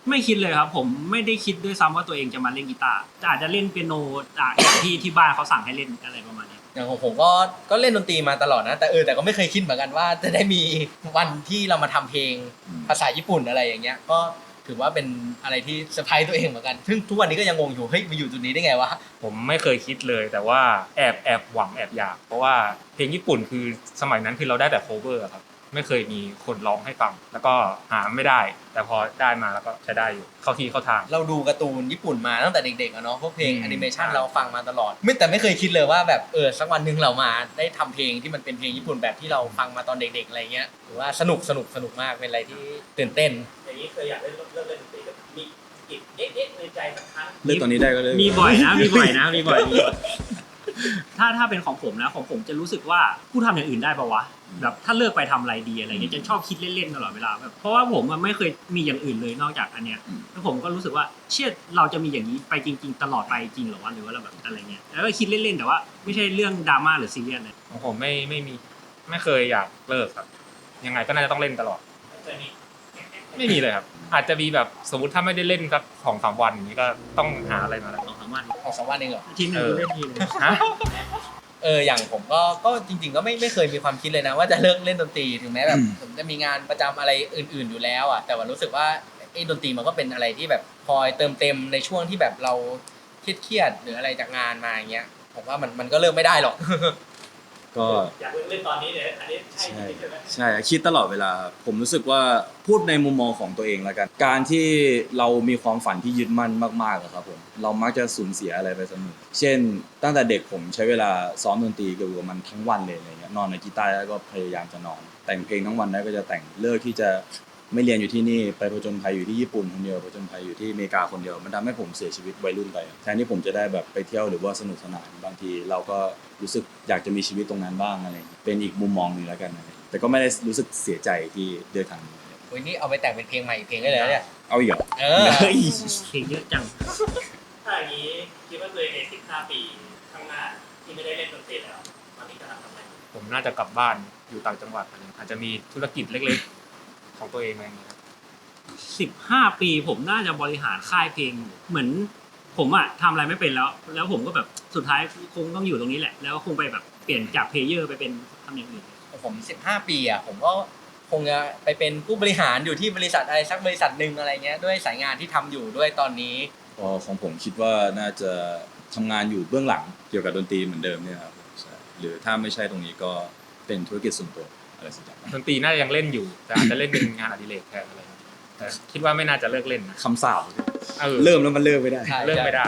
[SPEAKER 4] ไม่คิดเลยครับผมไม่ได้คิดด้วยซ้ำว่าตัวเองจะมาเล่นกีตาร์แต่อาจจะเล่นเปียโนจากอย่างที่ที่บ้านเขาสั่งให้เล่นอะไรประมาณนี้
[SPEAKER 2] อย่างของผมก็ก็เล่นดนตรีมาตลอดนะแต่เออแต่ก็ไม่เคยคิดเหมือนกันว่าจะได้มีวันที่เรามาทำเพลงภาษาญี่ปุ่นอะไรอย่างเงี้ยก็ถือว่าเป็นอะไรที่เซอร์ไพรส์ตัวเองเหมือนกันซึ่งทุกวันนี้ก็ยังงงอยู่เฮ้ยมาอยู่จุดนี้ได้ไงวะ
[SPEAKER 5] ผมไม่เคยคิดเลยแต่ว่าแอบแอบหวังแอบอยากเพราะว่าเพลงญี่ปุ่นคือสมัยนั้นคือเราได้แต่ cover อะครับไม่เคยมีคนร้องให้ฟังแล้วก็หาไม่ได้ แต่พอได้มาแล้วก็ใช้ได้อยู่เข้าที่เข้าทาง
[SPEAKER 2] เราดูการ์ตูนญี่ปุ่นมาตั้งแต่เด็กๆอะเนาะพวกเพลง
[SPEAKER 5] อืม
[SPEAKER 2] แอนิเมชันเราฟังมาตลอดไม่แต่ไม่เคยคิดเลยว่าแบบเออสักวันหนึ่งเรามาได้ทำเพลงที่มันเป็นเพลงญี่ปุ่นแบบที่เราฟังมาตอนเด็กๆอะไรเงี้ยถือว่าสนุกสนุกสนุกมากเป็นอะไรที่ตื่นเต้น
[SPEAKER 1] อย่างนี้เคยอยากเล่นเริ่มเล่นดนตรีกับมีกิจเอ๊ะเอ๊ะในใจสักครั้ง
[SPEAKER 3] เลือกตอนนี้ได้ก็เลย
[SPEAKER 4] มีบ่อยนะมีบ่อยนะมีบ่อยมีบ่อยถ้าถ้าเป็นของผมนะของผมจะรู้สึกว่าผู้ทำอย่างอื่นได้ปะวะแบบถ้าเลิกไปทำอะไรดีอะไรเงี้ยจะชอบคิดเล่นๆตลอดเวลาแบบเพราะว่าผมมันไม่เคยมีอย่างอื่นเลยนอกจากอันเนี้ยแล้วผมก็รู้สึกว่าเชื่อเราจะมีอย่างนี้ไปจริง ๆ ตลอดไปจริงเหรอวะหรือว่าเราแบบอะไรเงี้ยแล้วก็คิดเล่นๆแต่ว่าไม่ใช่เรื่องดราม่าหรือซีเรียสเลย
[SPEAKER 5] ของผมไม่ไม่มีไม่เคยอยากเลิกครับยังไงก็น่าจะต้องเล่นตลอด
[SPEAKER 1] เคยมี
[SPEAKER 5] ไม่มีเลยครับอาจจะมีแบบสมมติถ้าไม่ได้เล่นสักสองสามวันอย่างนี้ก็ต้องหาอะไรมาแล้ว
[SPEAKER 4] สองสามวัน
[SPEAKER 2] ของสองวันเองเหรอ
[SPEAKER 4] ทีนึง
[SPEAKER 5] เออ
[SPEAKER 4] กูเล่นทีนึง
[SPEAKER 5] ฮะ
[SPEAKER 2] เอออย่างผมก็ก็จริง ๆ ก็ไม่ไม่เคยมีความคิดเลยนะว่าจะเลิกเล่นดนตรีถึงแม้แบบผมจะมีงานประจำอะไรอื่น ๆอยู่แล้วอ่ะแต่ว่ารู้สึกว่าไอ้ดนตรีมันก็เป็นอะไรที่แบบคอยเติมเต็มในช่วงที่แบบเราเครียดๆหรืออะไรจากงานมาอย่างเงี้ยผมว่ามันมันก็เลิกไม่ได้หรอก
[SPEAKER 3] ก็
[SPEAKER 1] อยากเล่นตอนนี้เนี่ยอันนี้ใช่
[SPEAKER 3] ใช่
[SPEAKER 1] ใช่ไหม
[SPEAKER 3] ใช่คิดตลอดเวลาครับผมรู้สึกว่าพูดในมุมมองของตัวเองแล้วกัน การที่เรามีความฝันที่ยึดมั่นมากๆอะครับผมเรามักจะสูญเสียอะไรไปเสมอเช่น ตั้งแต่เด็กผมใช้เวลาซ้อมดนตรีเกี่ยวกับมันทั้งวันเลยอะไรเงี้ยนอนในกีตาร์แล้วก็พยายามจะนอน แต่งเพลงทั้งวันแล้วก็จะแต่งเลิกที่จะไม่เรียนอยู่ที่นี่ไปผจญภัยอยู่ที่ญี่ปุ่นคนเดียวผจญภัยอยู่ที่อเมริกาคนเดียวมันทำให้ผมเสียชีวิตวัยรุ่นไปแทนที่ผมจะได้แบบไปเที่ยวหรือว่าสนุกสนานบางทีเราก็รู้สึกอยากจะมีชีวิตตรงนั้นบ้างอะไรเป็นอีกมุมมองหนึงแล้วกันอะไรแต่ก็ไม่ได้รู้สึกเสียใจที่เดินทางนี้
[SPEAKER 2] โอ้ยนี่เอาไปแต่งเป็นเพลงใหม่อีกเพลงได้เลยนะเนี่ย
[SPEAKER 3] เอาอีกเหรอ
[SPEAKER 2] เออ
[SPEAKER 3] เฮ้ย
[SPEAKER 4] เพลงเยอะจัง
[SPEAKER 1] ถ้าอย่างนี้คิดว่าตัวเองในสิบห้าปีข้างหน้าที่ไม่ได้เล่นดนตรีแล้วตอนนี้กำลังทำอะไร
[SPEAKER 5] ผมน่าจะกลับบ้านอยู่ต่างจังหวัดอะไรอาจจะมีธุรกิจเล็กๆ ของตัวเองอะไรอย่างเงี้ยครับ
[SPEAKER 4] สิบห้าปีผมน่าจะบริหารค่ายเพลงอยู่เหมือนผมอะทำอะไรไม่เป็นแล้ว แล้วผมก็แบบสุดท้ายคงต้องอยู่ตรงนี้แหละ แล้วก็คงไปแบบเปลี่ยนจากเพลเยอร์ไปเป็นทำอย่างอื่น
[SPEAKER 2] ผมสิบห้าปีอ่ะผมก็คงจะไปเป็นผู้บริหารอยู่ที่บริษัทอะไรสักบริษัทหนึ่งอะไรเงี้ยด้วยสายงานที่ทำอยู่ด้วยตอนนี้
[SPEAKER 3] พอของผมคิดว่าน่าจะทำงานอยู่เบื้องหลังเกี่ยวกับดนตรีเหมือนเดิมเนี่ยครับใช่หรือถ้าไม่ใช่ตรงนี้ก็เป็นธุรกิจส่วนตัวอะไรสักอย่าง
[SPEAKER 5] ดนตรีน่าจะยังเล่นอยู่แต่อาจจะเล่นเป็นงานอดิเรกแทนอะไรอย่างเงี้ยแต่คิดว่าไม่น่าจะเลิกเล่นนะ
[SPEAKER 3] คำสาป
[SPEAKER 5] เออ
[SPEAKER 3] เริ่มแล้วมันเลิกไม่ได้
[SPEAKER 2] ใช่
[SPEAKER 5] เลิกไม่ได้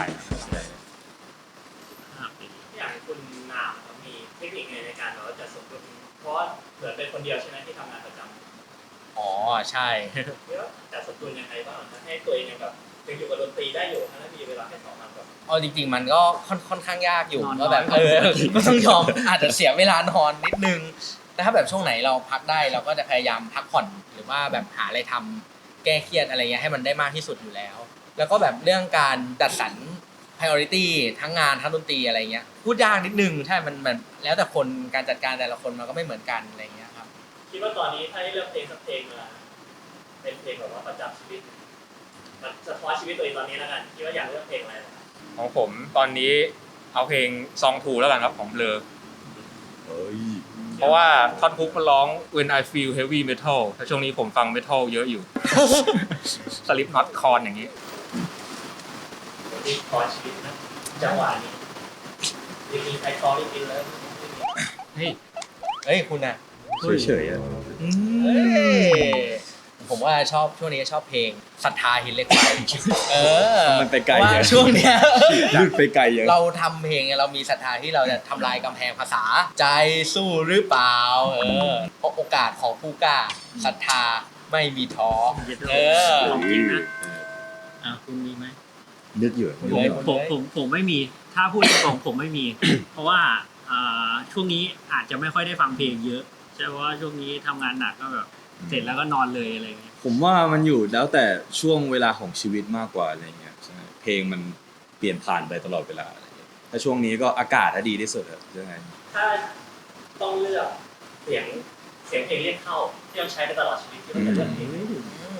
[SPEAKER 4] ห้าปี
[SPEAKER 1] อย่างคุณนามครับมีเทคนิคไงในการแบบว่าจัดสมดุลเพราะว่าเหมือนเป็นคนเดียวใช่ไหมที่ทำงานประจำ
[SPEAKER 2] อ๋อใช่
[SPEAKER 1] เรียกว่าจัดสมดุลยังไงบ้างให้ตัวเองยังแบบยังอยู่กับดนตรีได้อยู่ทั้งที่มีเวลาแค่สองวันแบบ
[SPEAKER 2] เอาจริงๆมันก็ค่อนค่อนข้างยากอยู่ก็แบบเออก็ต้องยอมอาจจะเสียเวลานอนนิดนึงแต่ถ้าแบบช่วงไหนเราพักได้เราก็จะพยายามพักผ่อนหรือว่าแบบหาอะไรทำแก้เครียดอะไรเงี้ยให้มันได้มากที่สุดอยู่แล้ว แล้วก็แบบเรื่องการจัดสรร priority ทั้งงานทั้งดนตรีอะไรเงี้ยพูดยากนิดนึงใช่มันมันแล้วแต่คนการจัดการแต่ละคนมันก็ไม่เหมือนกันอะไรเงี้ยครับ
[SPEAKER 1] คิดว่าตอนนี้ถ้าให้เลือกเพลงสักเพลงมาเป็นเพลงแบบว่าประจำชีวิตมันสะท้อนชีวิตตัวเองตอนนี้แล้วกันคิดว่าอยากเลือกเพลงอะไร
[SPEAKER 5] ของผมตอนนี้เอาเพลงซองทูแล้วกันครับของเบลอ
[SPEAKER 3] เฮ้ย
[SPEAKER 5] เพราะว่าท่อนฮุกมันร้อง when I feel heavy metal แต่ช่วงนี้ผมฟัง metal เยอะอยู่ สลิปน็อตคอนอย่างนี้
[SPEAKER 1] ที่คอชีวิตนะจังหวะนี้ยังมีใครคอไม่กินแล้ว
[SPEAKER 5] เฮ้ย
[SPEAKER 2] เอ้ยคุณอ่ะ
[SPEAKER 3] เฉยๆอะ
[SPEAKER 2] เอ้ยผมว่าชอบช่วงนี้ชอบเพลงศรัทธาหินเหล็กไฟเออ
[SPEAKER 3] มันไปไกล
[SPEAKER 2] ว่า
[SPEAKER 3] เยอะ
[SPEAKER 2] ช่วงเนี้ย
[SPEAKER 3] ลืดไปไกลเยอะ
[SPEAKER 2] เราทำเพลงเนี่ยเรามีศรัทธาที่เราจะทำลายกำแพงภาษาใจสู้หรือเปล่าเออเพราะโอกาสของผู้กล้าศรัทธาไม่มีท้อเออ
[SPEAKER 4] ของจริงนะอ่ะคุณมีไหม
[SPEAKER 3] นึกอยู่
[SPEAKER 2] คุณ
[SPEAKER 3] นึก
[SPEAKER 2] เลย
[SPEAKER 3] อยู่
[SPEAKER 4] ผมผมผมไม่มีถ้าพูดตรงๆผมไม่มี เพราะว่าอ่าช่วงนี้อาจจะไม่ค่อยได้ฟังเพลงเยอะใช่เพราะว่าช่วงนี้ทำงานหนักก็แบบเสร็จแล้วก็นอนเลยอะไรอย่างเงี้ย
[SPEAKER 3] ผมว่ามันอยู่แล้วแต่ช่วงเวลาของชีวิตมากกว่าอะไรเงี้ยใช่เพลงมันเปลี่ยนผ่านไปตลอดเวลาอะไรเงี้ยถ้าช่วงนี้ก็อากาศถ้าดีที่สุดอะใช่ไหม
[SPEAKER 1] ถ้าต้องเลือกเสียงเสียงเพลงเรียกเข้าที่ต้องใช้ไปตลอดชีวิตที่มันจะเลือกเพลง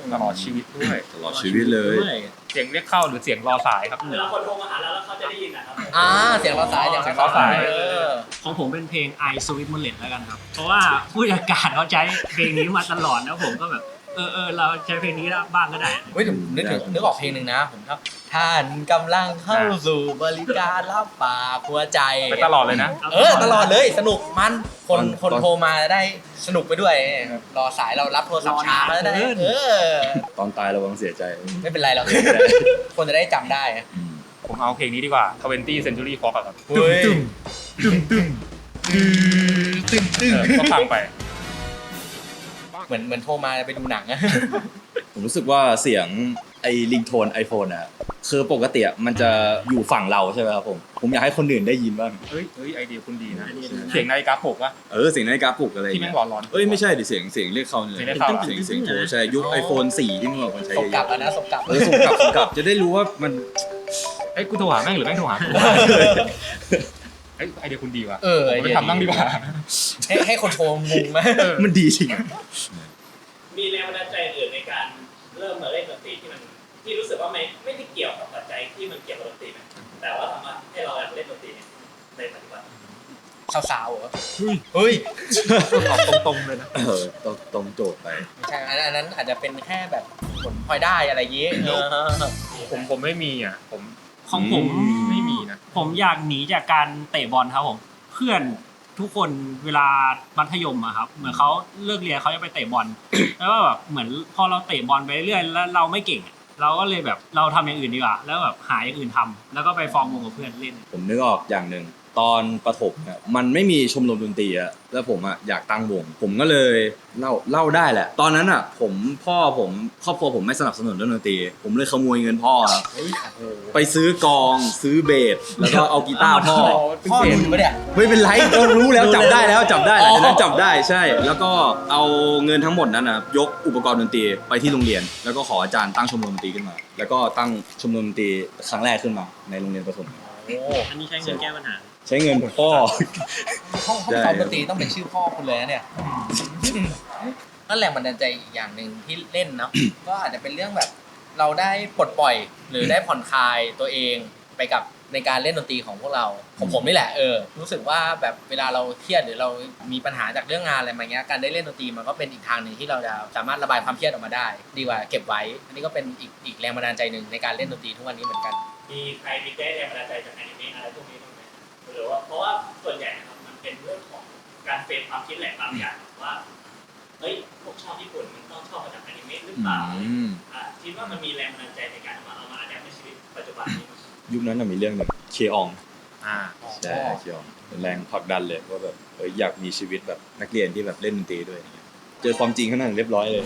[SPEAKER 5] ตลอดชีวิตด้วย
[SPEAKER 3] ตลอดชีวิตเลย
[SPEAKER 5] เสียงเรียกเข้าหรือเสียงรอสายครับ
[SPEAKER 1] เวลาคนโทรมาหาเราแล้วเขาจะได้ยินนะครับ
[SPEAKER 2] อ่าเสียงรอสายเสียง
[SPEAKER 5] เสียงรอสาย
[SPEAKER 2] เออ
[SPEAKER 4] ของผมเป็นเพลง I Sweet Mullet แล้วกันครับ เพราะว่าผู้จัดการเขาใช้เพลงนี้มาตลอดแล้วผมก็แบบเออเออเราใช้เพลงนี้บ้างก็ได้
[SPEAKER 2] เฮ้ยเดี๋ยวนึกถึงนึกออกเพลงหนึ่งนะผมชอบท่านกำลังเข้าสู่บริการรับฝากหัวใจ
[SPEAKER 5] ไปตลอดเลยนะ
[SPEAKER 2] เออตลอดเลยสนุกมันคน
[SPEAKER 3] ตอน
[SPEAKER 2] คน
[SPEAKER 3] ตอน
[SPEAKER 2] โทรมาได้สนุกไปด้วยรอสายเรารับโทรศัพท์ช้าก็ได้
[SPEAKER 4] รอนานเกิน
[SPEAKER 2] เออ
[SPEAKER 3] ตอนตายระวังเสียใจ
[SPEAKER 2] ไม่เป็นไรหรอก คนจะได้จำได้อะ
[SPEAKER 3] อืม
[SPEAKER 5] ผมเอาเพลงนี้ดีกว่า twentieth Century Fox อะครับ
[SPEAKER 2] เฮ้ย
[SPEAKER 5] ตึ้มตึ้มตึ้ม
[SPEAKER 2] ตึ้งตึ้ง
[SPEAKER 5] เออก็ฟังไป
[SPEAKER 2] เหมือนเหมือนโทรมาไปดูหนังอะ
[SPEAKER 3] ผมรู้สึกว่าเสียงไอ้ลิงโทนไอโฟนอะคือปกติอะมันจะอยู่ฝั่งเราใช่ไหมครับผมผมอยากให้คนอื่นได้ยินบ้าง
[SPEAKER 5] เฮ้ยเฮ้ยไอเดียคุณดีนะ
[SPEAKER 4] ไอเดียดีนะ
[SPEAKER 5] เสียงนาฬิกาปลุกวะ
[SPEAKER 3] เออเสียงนาฬิกาปลุกอะไร
[SPEAKER 5] ที่แม่
[SPEAKER 3] เงี้
[SPEAKER 5] ง
[SPEAKER 3] ย
[SPEAKER 5] ร้อนร้อนๆ
[SPEAKER 3] เอ้ยไม่ใช่ดิเสียงเสียงเรียกเข้าเนี่ย
[SPEAKER 5] เสียงเรียกเข้า
[SPEAKER 3] เสียงเสียงโทรใช่ยุค iPhone สี่ที่เมื่อก่อนใช้
[SPEAKER 2] สม
[SPEAKER 3] เย
[SPEAKER 2] กลับ
[SPEAKER 3] อะ
[SPEAKER 2] แล้วนะสมกลับ
[SPEAKER 3] ๆเออส่งกลับส่งกลับจะได้รู้ว่ามัน
[SPEAKER 5] เอ้ยกูโทรหาแม่งหรือแม่งโทรหากูเอ้ยไอเดียคุณดีว่ะ
[SPEAKER 2] เออ
[SPEAKER 5] ผมไปทำบ้างดีกว่า
[SPEAKER 2] ให้ให้คนโทรงงไหม
[SPEAKER 3] มันดีจริง
[SPEAKER 1] มีแรงบันดาลใจอื่นในการเริ่มมาเล่นดนตรีที่มันที่รู้สึกว่าไม่ไม่ได้เกี่ยวกับปัจจัยที่มันเกี่ยวกับดนตรีไหมแต่ว่าทำให้เราอยากเล่นดนตรีเนี่ยในปัจจุบัน
[SPEAKER 2] สาวๆเหรอเฮ้ย
[SPEAKER 5] ตอบตรงๆเลยนะ
[SPEAKER 3] เออตรงตรงโจทย์ไป
[SPEAKER 2] ไม่ใช่อันนั้นอันนั้นอาจจะเป็นแค่แบบผลพลอยได้อะไรอย่างงี้เออ
[SPEAKER 5] ผมผมไม่มีอ่ะ ผม
[SPEAKER 4] ของผม
[SPEAKER 5] ไม่มีนะ
[SPEAKER 4] ผมอยากหนีจากการเตะบอลครับผมเพื่อนทุกคนเวลามัธยมอะครับเหมือนเขาเลิกเรียนเขาจะไปเตะบอล แล้วก็แบบเหมือนพอเราเตะบอลไปเรื่อยๆแล้วเราไม่เก่งอะเราก็เลยแบบเราทำอย่างอื่นดีกว่าแล้วแบบหาอย่างอื่นทำแล้วก็ไปฟอร์มวงกับเพื่อนเล่น
[SPEAKER 3] ผมนึกออกอย่างหนึ่งตอนประถมเนี่ยมันไม่มีชมรมดนตรีอะแล้วผมอะอยากตั้งวง ผมก็เลยเล่าเล่าได้แหละ ตอนนั้นอะผมพ่อผมครอบครัวผมไม่สนับสนุนเรื่องดนตรี ผมเลยขโมยเงินพ่อครับไปซื้อกลองซื้อเบสแล้วก็เอากีตาร์พ่อ
[SPEAKER 2] พ่อดูอยู่ปะเนี่ย
[SPEAKER 3] ไม่เป็นไรเรารู้แล้วจับได้แล้วจับได้หลังจากนั้นจับได้ใช่ แล้วก็เอาเงินทั้งหมดนั้นนะยกอุปกรณ์ดนตรีไปที่โรงเรียน แล้วก็ขออาจารย์ตั้งชมรมดนตรีขึ้นมา แล้วก็ตั้งชมรมดนตรีครั้งแรกขึ้นมาในโรงเรียนประถม
[SPEAKER 2] โอ้
[SPEAKER 4] อันนี้ใช้เงินแก้ปัญหา
[SPEAKER 3] ใช้เงินพ่อ
[SPEAKER 2] ห้องห้อง
[SPEAKER 3] ใช่
[SPEAKER 2] ซ้อมดนตรีต้องเป็นชื่อพ่อคุณเลยนะเนี่ยนั่นแหละบันดาลใจอีกอย่างหนึ่งที่เล่นเนาะ ก็อาจจะเป็นเรื่องแบบ เราได้ปลดปล่อย หรือได้ผ่อนคลายตัวเองไปกับในการเล่นดนตรีของพวกเราของผมนี่แหละเออรู้สึกว่าแบบเวลาเราเครียดหรือเรามีปัญหาจากเรื่องงานอะไรมาเงี้ยการได้เล่นดนตรีมันก็เป็นอีกทางหนึ่งที่เราจะสามารถระบายความเครียดออกมาได้ ดีกว่าเก็บไว้ อันนี้ก็เป็นอีกอีกแรงบันดาลใจหนึ่งในการเล่นดนตรีทุกวันนี้เหมือนกัน
[SPEAKER 1] มีใครมีได้แรงบันดาลใจจากอนิเมะอะไรพวกนี้บ้างไหมหรือว่าเพราะว่าส่วนใหญ่นะครับมันเป็นเรื่องของการเฟรมความคิดแหละบางอย่างว่าเฮ้ยพวกชอบญี่ปุ่นมันต้องชอบมาจากอนิเมะหรือเปล่า
[SPEAKER 3] อืม
[SPEAKER 1] อ่าคิดว่ามันมีแรงบันดาลใจในการเอามาเอามาอัดแอปในชีวิตปัจจุบันนี้มั้ย
[SPEAKER 3] ยุคนั้นนะมีเรื่องหนึ่งเคออง
[SPEAKER 5] อ่า
[SPEAKER 3] ใช่เคอองเป็นแรงผลักดันเลยว่าแบบเอยอยากมีชีวิตแบบนักเรียนที่แบบเล่นดนตรีด้วยอย่างเงี้ยเจอความจริงข้างหน้าเรียบร้อยเลย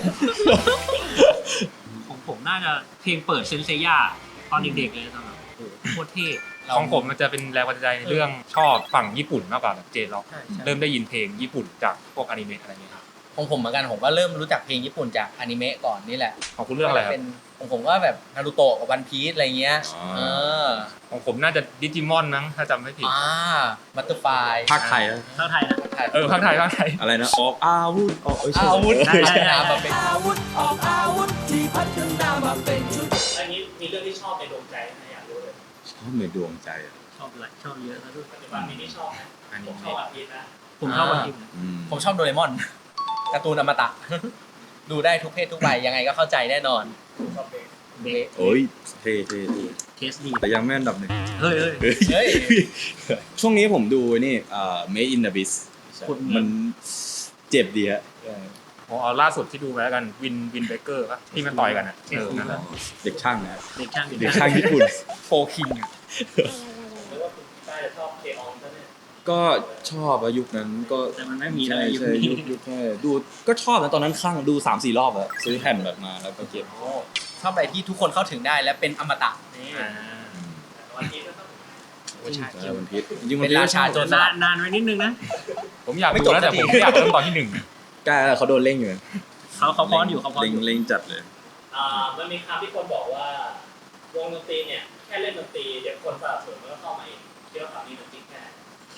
[SPEAKER 4] ของผมน่าจะเพลงเปิดเซนเซย่าตอนเด็กๆเลยตอนนั้นโอ้โหโคตรเท่
[SPEAKER 5] ของผมมันจะเป็นแรงบันดาลใจในเรื่องชอบฝั่งญี่ปุ่นมากกว่าแบบเจล็อก
[SPEAKER 2] ใช่ใช่
[SPEAKER 5] เริ่มได้ยินเพลงญี่ปุ่นจากพวกอนิเมะอะไรเงี้ยครับ
[SPEAKER 2] ของผมเหมือนกันผมก็เริ่มรู้จักเพลงญี่ปุ่นจากอนิเมะก่อนนี่แหละ
[SPEAKER 5] ของคุณเรื่องอะไรครับ
[SPEAKER 2] เป็นของผมก็แบบนารูโตะกับวันพีซอะไรเงี้ย
[SPEAKER 3] อ๋อ
[SPEAKER 2] เออ
[SPEAKER 5] ของผมน่าจะดิจิมอนมั้งถ้าจำไม่ผิด
[SPEAKER 2] อ่าบัตเตอร์ไฟ
[SPEAKER 3] ภาคไทยอะ
[SPEAKER 4] เท่าไทยนะ
[SPEAKER 5] เออภาคไทยภาคไทย
[SPEAKER 3] อะไรนะออกอาวุธออกเอ้ยใช่
[SPEAKER 2] อาวุธ
[SPEAKER 4] ได้ได้ได้
[SPEAKER 2] มาเป็น
[SPEAKER 6] อาวุธออกอาวุธที่พัฒนามาเป็นชุด
[SPEAKER 1] อันนี้มีเรื่องที่ชอบในดวงใจนะอยากรู้เลย
[SPEAKER 3] ชอบในดวงใจอะ
[SPEAKER 4] ชอบหลายชอบเยอะนะด้วย
[SPEAKER 1] ปัจจุบันมีที่ชอบไหม
[SPEAKER 5] อัน
[SPEAKER 1] ผ
[SPEAKER 5] นี้
[SPEAKER 1] มชอบอาทิตย์นะ
[SPEAKER 4] ผมชอบวันที่
[SPEAKER 3] อืม
[SPEAKER 2] ผมชอบโดเรมอนการ์ตูนอมตะ ดูได้ทุกเพศทุกวัยยังไงก็เข้าใจแน่นอน
[SPEAKER 1] ชอบเพลง
[SPEAKER 4] เบส
[SPEAKER 3] โอ้ยเท่เท่เท่
[SPEAKER 4] เทสดี
[SPEAKER 3] แต่ยังไม่อันดับหนึ่ง
[SPEAKER 4] เฮ้ยเฮ้ย
[SPEAKER 3] เฮ้ย
[SPEAKER 2] เฮ้ย
[SPEAKER 3] ช่วงนี้ผมดูนี่เอ่อ Made in Abyss
[SPEAKER 4] คุณ
[SPEAKER 3] มันเจ็บดีฮะ
[SPEAKER 5] ผมเอาล่าสุดที่ดูไปแล้วกันวินวินเบเกอร์ป่ะที่มันต่อยกันอ่ะเออนั่นแหละ
[SPEAKER 3] เด็กช่างนะ
[SPEAKER 4] เด็กช่าง
[SPEAKER 3] เด็กช่างญี่ปุ่น
[SPEAKER 5] โฟคิงอ่ะ
[SPEAKER 1] หรือว่าคุณใต้จะชอบเคอองซะเนี่ย
[SPEAKER 3] ก็ชอบอะยุคนั้นก็
[SPEAKER 4] แต่มันไม่มีอะ
[SPEAKER 3] ใช่
[SPEAKER 4] ไรอยู่
[SPEAKER 3] ใช่ยุคยุคใช่ดูก็ชอบนะตอนนั้นคลั่งดูสามสี่รอบอะซื้อแผ่นแบบมาแล้วก็เก็บ
[SPEAKER 2] ชอบอะไรที่ทุกคนเข้าถึงได้และเป็นอมตะนี่
[SPEAKER 5] อ่า
[SPEAKER 1] แต่วันนี้ก็ต้อง
[SPEAKER 2] โอ้ใช่
[SPEAKER 3] ใช่วันพีชจริงๆ
[SPEAKER 2] เป็นราชาโจรส
[SPEAKER 4] นา
[SPEAKER 2] ลั
[SPEAKER 4] น
[SPEAKER 2] ด
[SPEAKER 4] นานไว้นิดนึงนะ
[SPEAKER 5] ผมอยาก
[SPEAKER 2] ไม่
[SPEAKER 5] ดู
[SPEAKER 2] จบ
[SPEAKER 5] แล้วแต่
[SPEAKER 2] สัก
[SPEAKER 5] ผ
[SPEAKER 2] ที
[SPEAKER 5] มไม่อยากเริ่มตอนที่หนึ่ง
[SPEAKER 3] กล้าเขาโดนเล่งอยู่
[SPEAKER 4] เขาเขาพร้อนอยู่เขาพร้อน
[SPEAKER 3] เล่ง
[SPEAKER 4] อยู่
[SPEAKER 3] เล่งจัดเลย
[SPEAKER 1] อ่ามันมีคำที่คนบอกว่าวงดนตรีเนี่ยแค่เล่นดนตรีเดี๋ยวคนสนับสนุนมันก็เข้ามาเองคิดว่าคำนี้มันจริงแค่ไหน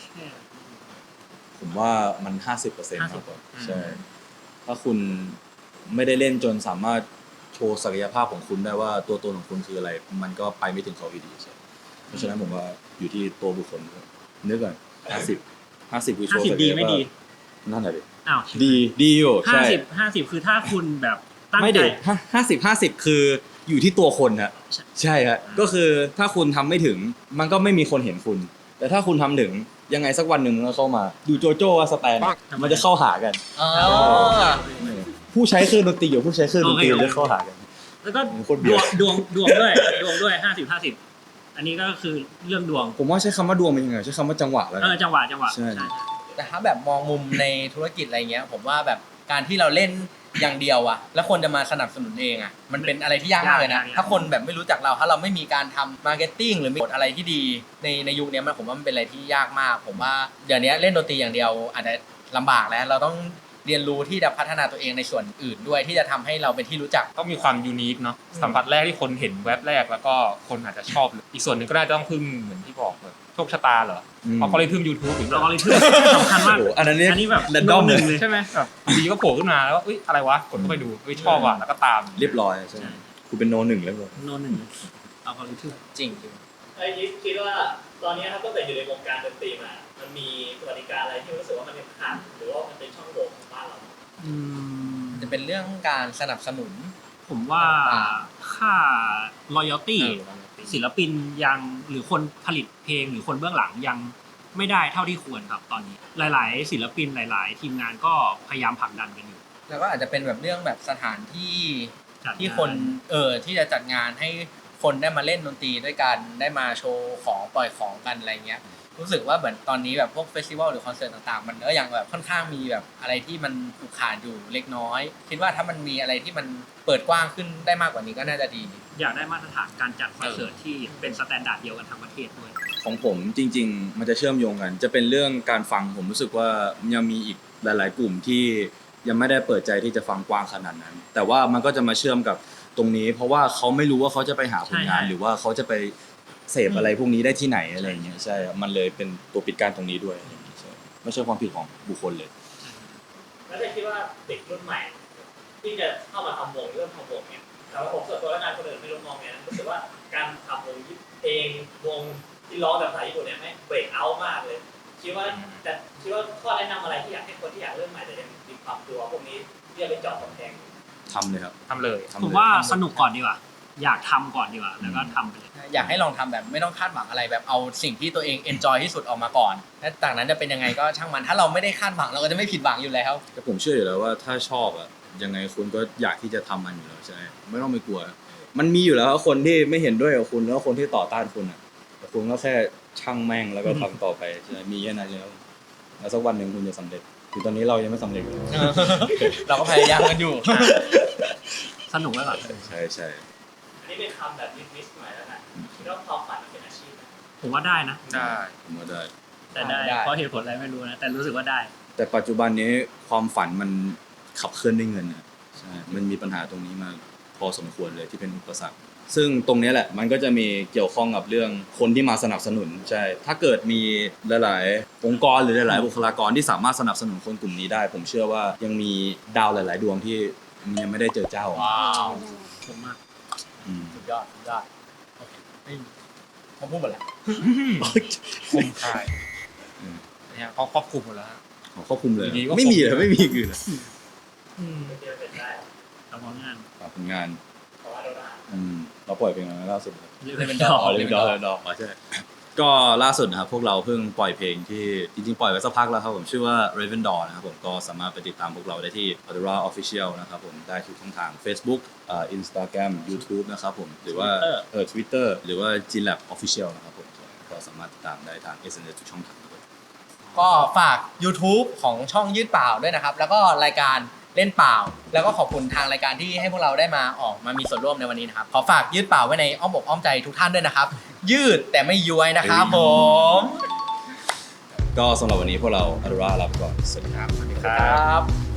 [SPEAKER 3] ผมว่ามัน ห้าสิบเปอร์เซ็นต์ มากกว่าใช่ถ้าคุณไม่ได้เล่นจนสามารถโชว์ศักยภาพของคุณได้ว่าตัวตนของคุณคืออะไร มันก็ไปไม่ถึงเขาอยู่ดีใช่เพราะฉะนั้นผมว่าอยู่ที่ตัวบุคคลด้วยนึกก่อนห้าสิบห้าสิบคือโช
[SPEAKER 4] ห้า
[SPEAKER 3] ว์
[SPEAKER 4] สิบ
[SPEAKER 3] ศัก
[SPEAKER 4] ดี
[SPEAKER 3] ยภาพ
[SPEAKER 4] ไม่ดี
[SPEAKER 3] นั่นแหละดิ
[SPEAKER 4] อ้าว
[SPEAKER 3] ดีดีอยู่
[SPEAKER 4] ห้า
[SPEAKER 3] ใช่
[SPEAKER 4] สิบห้าสิบคือถ้าคุณแบบตั้ง
[SPEAKER 3] ไม่
[SPEAKER 4] ใจ
[SPEAKER 3] เด็กห้าสิบห้าสิบคืออยู่ที่ตัวคนฮะ
[SPEAKER 4] ใช่
[SPEAKER 3] ใช่ฮะก็คือถ้าคุณทำไม่ถึงมันก็ไม่มีคนเห็นคุณ แต่ถ้าคุณทำถึงยังไงสักวันหนึ่งมันก็เข้ามาดูโจโจ้ว่าสแตนมันจะเข้าหากัน
[SPEAKER 2] อ๋อ
[SPEAKER 3] ผู้ใช้เครื่องดนตรีกับผู้ใช้เครื่องดนตรีจะเข้าหากัน
[SPEAKER 4] แล้วก็
[SPEAKER 3] โคตรเบี
[SPEAKER 4] ด
[SPEAKER 3] ยว ด
[SPEAKER 4] งดวงดวงด้วยดวงด้วยห้าสิบห้าสิบอันนี้ก็คือเรื่องดวง
[SPEAKER 3] ผมว่าใช้คำว่าดวงเป็นยังไงใช้คำว่าจังหวะแล้ว
[SPEAKER 4] เออจังหวะจังหวะ
[SPEAKER 3] ใช่
[SPEAKER 4] ใช่
[SPEAKER 2] แต่ถ้าแบบมองมุมในธุรกิจอะไรเงี้ย ผมว่าแบบการที่เราเล่นอย่างเดียวอะแล้วคนจะมาสนับสนุนเองอะมันเป็นอะไรที่ยากมากเลยนะ ถ้าคนแบบไม่รู้จักเราถ้าเราไม่มีการทำมาร์เก็ตติ้งหรือมีกฎอะไรที่ดีในในยุคนี้มันผมว่ามันเป็นอะไรที่ยากมาก ผมว่าเดี๋ยวนี้เล่นดนตรีอย่างเดียวอาจจะลำบากแล้วเราต้องเรียนรู้ที่จะพัฒนาตัวเองในส่วนอื่นด้วยที่จะทำให้เราเป็นที่รู้จัก
[SPEAKER 5] ต้องมีความยูนิคเนาะสัมผัสแรกที่คนเห็นแว็บแรกแล้วก็คนอาจจะชอบเลยอีกส่วนหนึ่งก็น่าจะต้องพึ่งเหมือนที่บอกแบบโชคชะตาเหรอ
[SPEAKER 3] อืม
[SPEAKER 5] เพราะเขาเลยพึ่ง YouTube ถึง
[SPEAKER 4] เราก็เลยถือสำคัญมาก
[SPEAKER 3] โอ้โหอันนั้นเนี่ย
[SPEAKER 4] อันนี้แบบ
[SPEAKER 3] แรนดอม
[SPEAKER 4] โน้ตหนึ่งเลย
[SPEAKER 5] ใช่ไหมแบบดีก็โผล่ขึ้นมาแล้วว่าเอ้ยอะไรวะกดเข้าไปดูเอ้ยชอบว่ะแล้วก็ตาม
[SPEAKER 3] เรียบร้อยใช่ไหมคุณเป็นโนหนึ่งแล้วเลย
[SPEAKER 4] โน้ตหนึ่งเอาก็เลยถือ
[SPEAKER 2] จริงจริง
[SPEAKER 1] ไอ้ยิปคิดว่าตอนนี้ครับตั้งแต่อยู่ในวงการดนตรีมา มันมีสวัสดิการอะไรที่รู้สึกว่ามันเป็นขาดหรือว่ามันเป็นช่องโหว่ของบ้านเรา
[SPEAKER 4] อืม
[SPEAKER 2] จะเป็นเรื่องการสนับสนุน
[SPEAKER 4] ผมว่าค่า loyalty
[SPEAKER 2] เออ
[SPEAKER 4] ศิลปินยังหรือคนผลิตเพลงหรือคนเบื้องหลังยังไม่ได้เท่าที่ควรครับตอนนี้ หลาย ๆ ศิลปินหลาย ๆ ทีมงานก็พยายามผลักดันกันอยู่
[SPEAKER 2] แล้วก็อาจจะเป็นแบบเรื่องแบบสถานที่
[SPEAKER 4] จัดงา
[SPEAKER 2] ที่คนเออที่จะจัดงานให้คนได้มาเล่นดนตรีด้วยกันได้มาโชว์ของปล่อยของกันอะไรเงี้ยรู้สึกว่าเหมือนตอนนี้แบบพวกเฟสติวัลหรือคอนเสิร์ตต่างๆ มันก็ยังแบบค่อนข้างมีแบบอะไรที่มันผูกขาดอยู่เล็กน้อย คิดว่าถ้ามันมีอะไรที่มันเปิดกว้างขึ้นได้มากกว่านี้ก็น่าจะดี
[SPEAKER 4] อยากได้มาตรฐานการจัดคอนเสิร์ตที่เป็นสแตนดาร์ดเดียวกันทั้งประเทศด้วย
[SPEAKER 3] ของผมจริง ๆ มันจะเชื่อมโยงกัน จะเป็นเรื่องการฟังผมรู้สึกว่ายังมีอีกหลาย ๆ กลุ่มที่ยังไม่ได้เปิดใจที่จะฟังกว้างขนาดนั้น แต่ว่ามันก็จะมาเชื่อมกับตรงนี้ เพราะว่าเขาไม่รู้ว่าเขาจะไปหาผลงาน
[SPEAKER 4] ใช่
[SPEAKER 3] หรือว่าเขาจะไปเสพอะไรพวกนี้ได้ที่ไหนอะไรอย่างเงี้ยใช่ครับมันเลยเป็นตัวปิดกั้นตรงนี้ด้วยอะไรอย่างเงี้ยใช่ไม่ใช่ความผิดของบุคคลเลย
[SPEAKER 1] แล้วจะคิดว่าเด็กรุ่นใหม่ ที่จะเข้ามาทำวงเริ่มทำวงเนี่ยแต่ว่าผมส่วนตัวแล้วกันคนอื่นไม่รู้มองไงนะรู้สึกว่าการทำวงเพลงวงที่ร้องแบบภาษาญี่ปุ่นเนี่ยไม่เบรกเอาท์มากเลย คิดว่าแต่คิดว่าข้อแนะนำอะไรที่อยากให้คนที่อยากเริ่มใหม่แต่ยังมีความกลัวพวกนี้ที่จะไปเจาะกำแพง
[SPEAKER 3] ทำเลยครับ
[SPEAKER 5] ทำเลย
[SPEAKER 3] ทำเลย
[SPEAKER 4] ผมว่าสนุกก่อนดีกว่า อยากทำก่อนดีกว่า แล้วก็ทำไปเลย
[SPEAKER 2] อยากให้ลองทำแบบไม่ต้องคาดหวังอะไรแบบเอาสิ่งที่ตัวเองเอนจอยที่สุดออกมาก่อนและจากนั้นจะเป็นยังไงก็ช่างมันถ้าเราไม่ได้คาดหวังเราก็จะไม่ผิดหวังอยู่แล้ว
[SPEAKER 3] แต่ผมเชื่ออยู่แล้วว่าถ้าชอบอะยังไงคุณก็อยากที่จะทำมันอยู่แล้วใช่ไหมไม่ต้องไปกลัว มันมีอยู่แล้วคนที่ไม่เห็นด้วยกับคุณแล้วคนที่ต่อต้านคุณอะแต่คุณก็แค่ช่างแม่งแล้วก็ทำต่อไปใช่ไหมมีแค่นั้นแล้วแล้วสักวันหนึ่งคุณจะสำเร็จคือตอนนี้เรายังไม่สำเร็จเลย
[SPEAKER 2] เราก็พยายามกันอยู่
[SPEAKER 4] สนุกไว้ก่อน
[SPEAKER 3] ใช่ใช่
[SPEAKER 1] อันนี้เป็นคำแบบนิดๆหน่อยแล้วกันคิดว่าความฝันมันเป็นอาชีพไหม
[SPEAKER 4] ผมว่าได้นะ
[SPEAKER 5] ได้
[SPEAKER 3] ผมว่าได้
[SPEAKER 4] แต่ได้
[SPEAKER 2] ได้
[SPEAKER 4] เพราะเหตุผลอะไรไม่รู้นะ แต่รู้สึกว่าได้
[SPEAKER 3] แต่ปัจจุบันนี้ความฝันมันขับเคลื่อนด้วยเงินอะใช่มันมีปัญหาตรงนี้มาพอสมควรเลยที่เป็นอุปสรรคซึ่งตรงนี้แหละมันก็จะมีเกี่ยวข้องกับเรื่องคนที่มาสนับสนุนใช่ถ้าเกิดมีหลายๆองค์กรหรือหลายๆบุคลากรที่สามารถสนับสนุนคนกลุ่มนี้ได้ ผมเชื่อว่ายังมีดาวหลาย ๆ ดวงที่ยังไม่ได้เจอเจ้า
[SPEAKER 2] ว้าว
[SPEAKER 4] ผมมาก
[SPEAKER 3] อืม
[SPEAKER 2] สุดยอดสุดยอดโอเคไม่ผมพูดหมดแล้ว
[SPEAKER 5] คมคายเนี่ยเขาครอบคลุมหมดแล้วฮะ
[SPEAKER 3] ขอควบคุมเลย
[SPEAKER 5] อยู่ดีก็
[SPEAKER 3] ไม่มีเลย
[SPEAKER 5] ผม
[SPEAKER 3] ไม่มีอย่างอื่นเลย
[SPEAKER 1] เป็นเดียวเป็นได้
[SPEAKER 4] ทำงาน
[SPEAKER 3] ฝากผลงาน
[SPEAKER 1] เพราะว่าเราได้
[SPEAKER 3] อืมเราปล่อยเพลงอะไรล่าสุด
[SPEAKER 4] เรียก
[SPEAKER 2] เลยเป็
[SPEAKER 4] เป็น
[SPEAKER 2] น
[SPEAKER 4] ด
[SPEAKER 2] ด
[SPEAKER 4] อ
[SPEAKER 2] อก ก
[SPEAKER 3] เลนดอร์เลนดอร์อ๋อใช่ก็ล่าสุดนะครับพวกเราเพิ่งปล่อยเพลงที่จริงๆปล่อยไว้สักพักแล้วครับผมชื่อว่า Raven Door นะครับผมก็สามารถไปติดตามพวกเราได้ที่ Adora Official นะครับผมได้ทุกช่องทาง Facebook อ่า Instagram YouTube นะครับผมหรือว่าเออ Twitter หรือว่า Ginlab Official นะครับผมก็สามารถติดตามได้ทาง เอส เอ็น เอส ทุกช่องทางเลย
[SPEAKER 2] ก็ฝาก YouTube ของช่องยืดเปล่าด้วยนะครับ แล้วก็รายการเล่นเปล่า แล้วก็ขอบคุณทางรายการที่ให้พวกเราได้มาออกมามีส่วนร่วมในวันนี้นะครับ ขอฝากยืดเปล่าไว้ในอ้อมอกอ้อมใจทุกท่านด้วยนะครับ ยืดแต่ไม่ย้วยนะครับผม
[SPEAKER 3] ก็สำหรับวันนี้พวกเรา Adora ลาไปก่อนสวัสดีครับ
[SPEAKER 5] สวัสดีค
[SPEAKER 2] ค
[SPEAKER 5] รั
[SPEAKER 2] รับ บ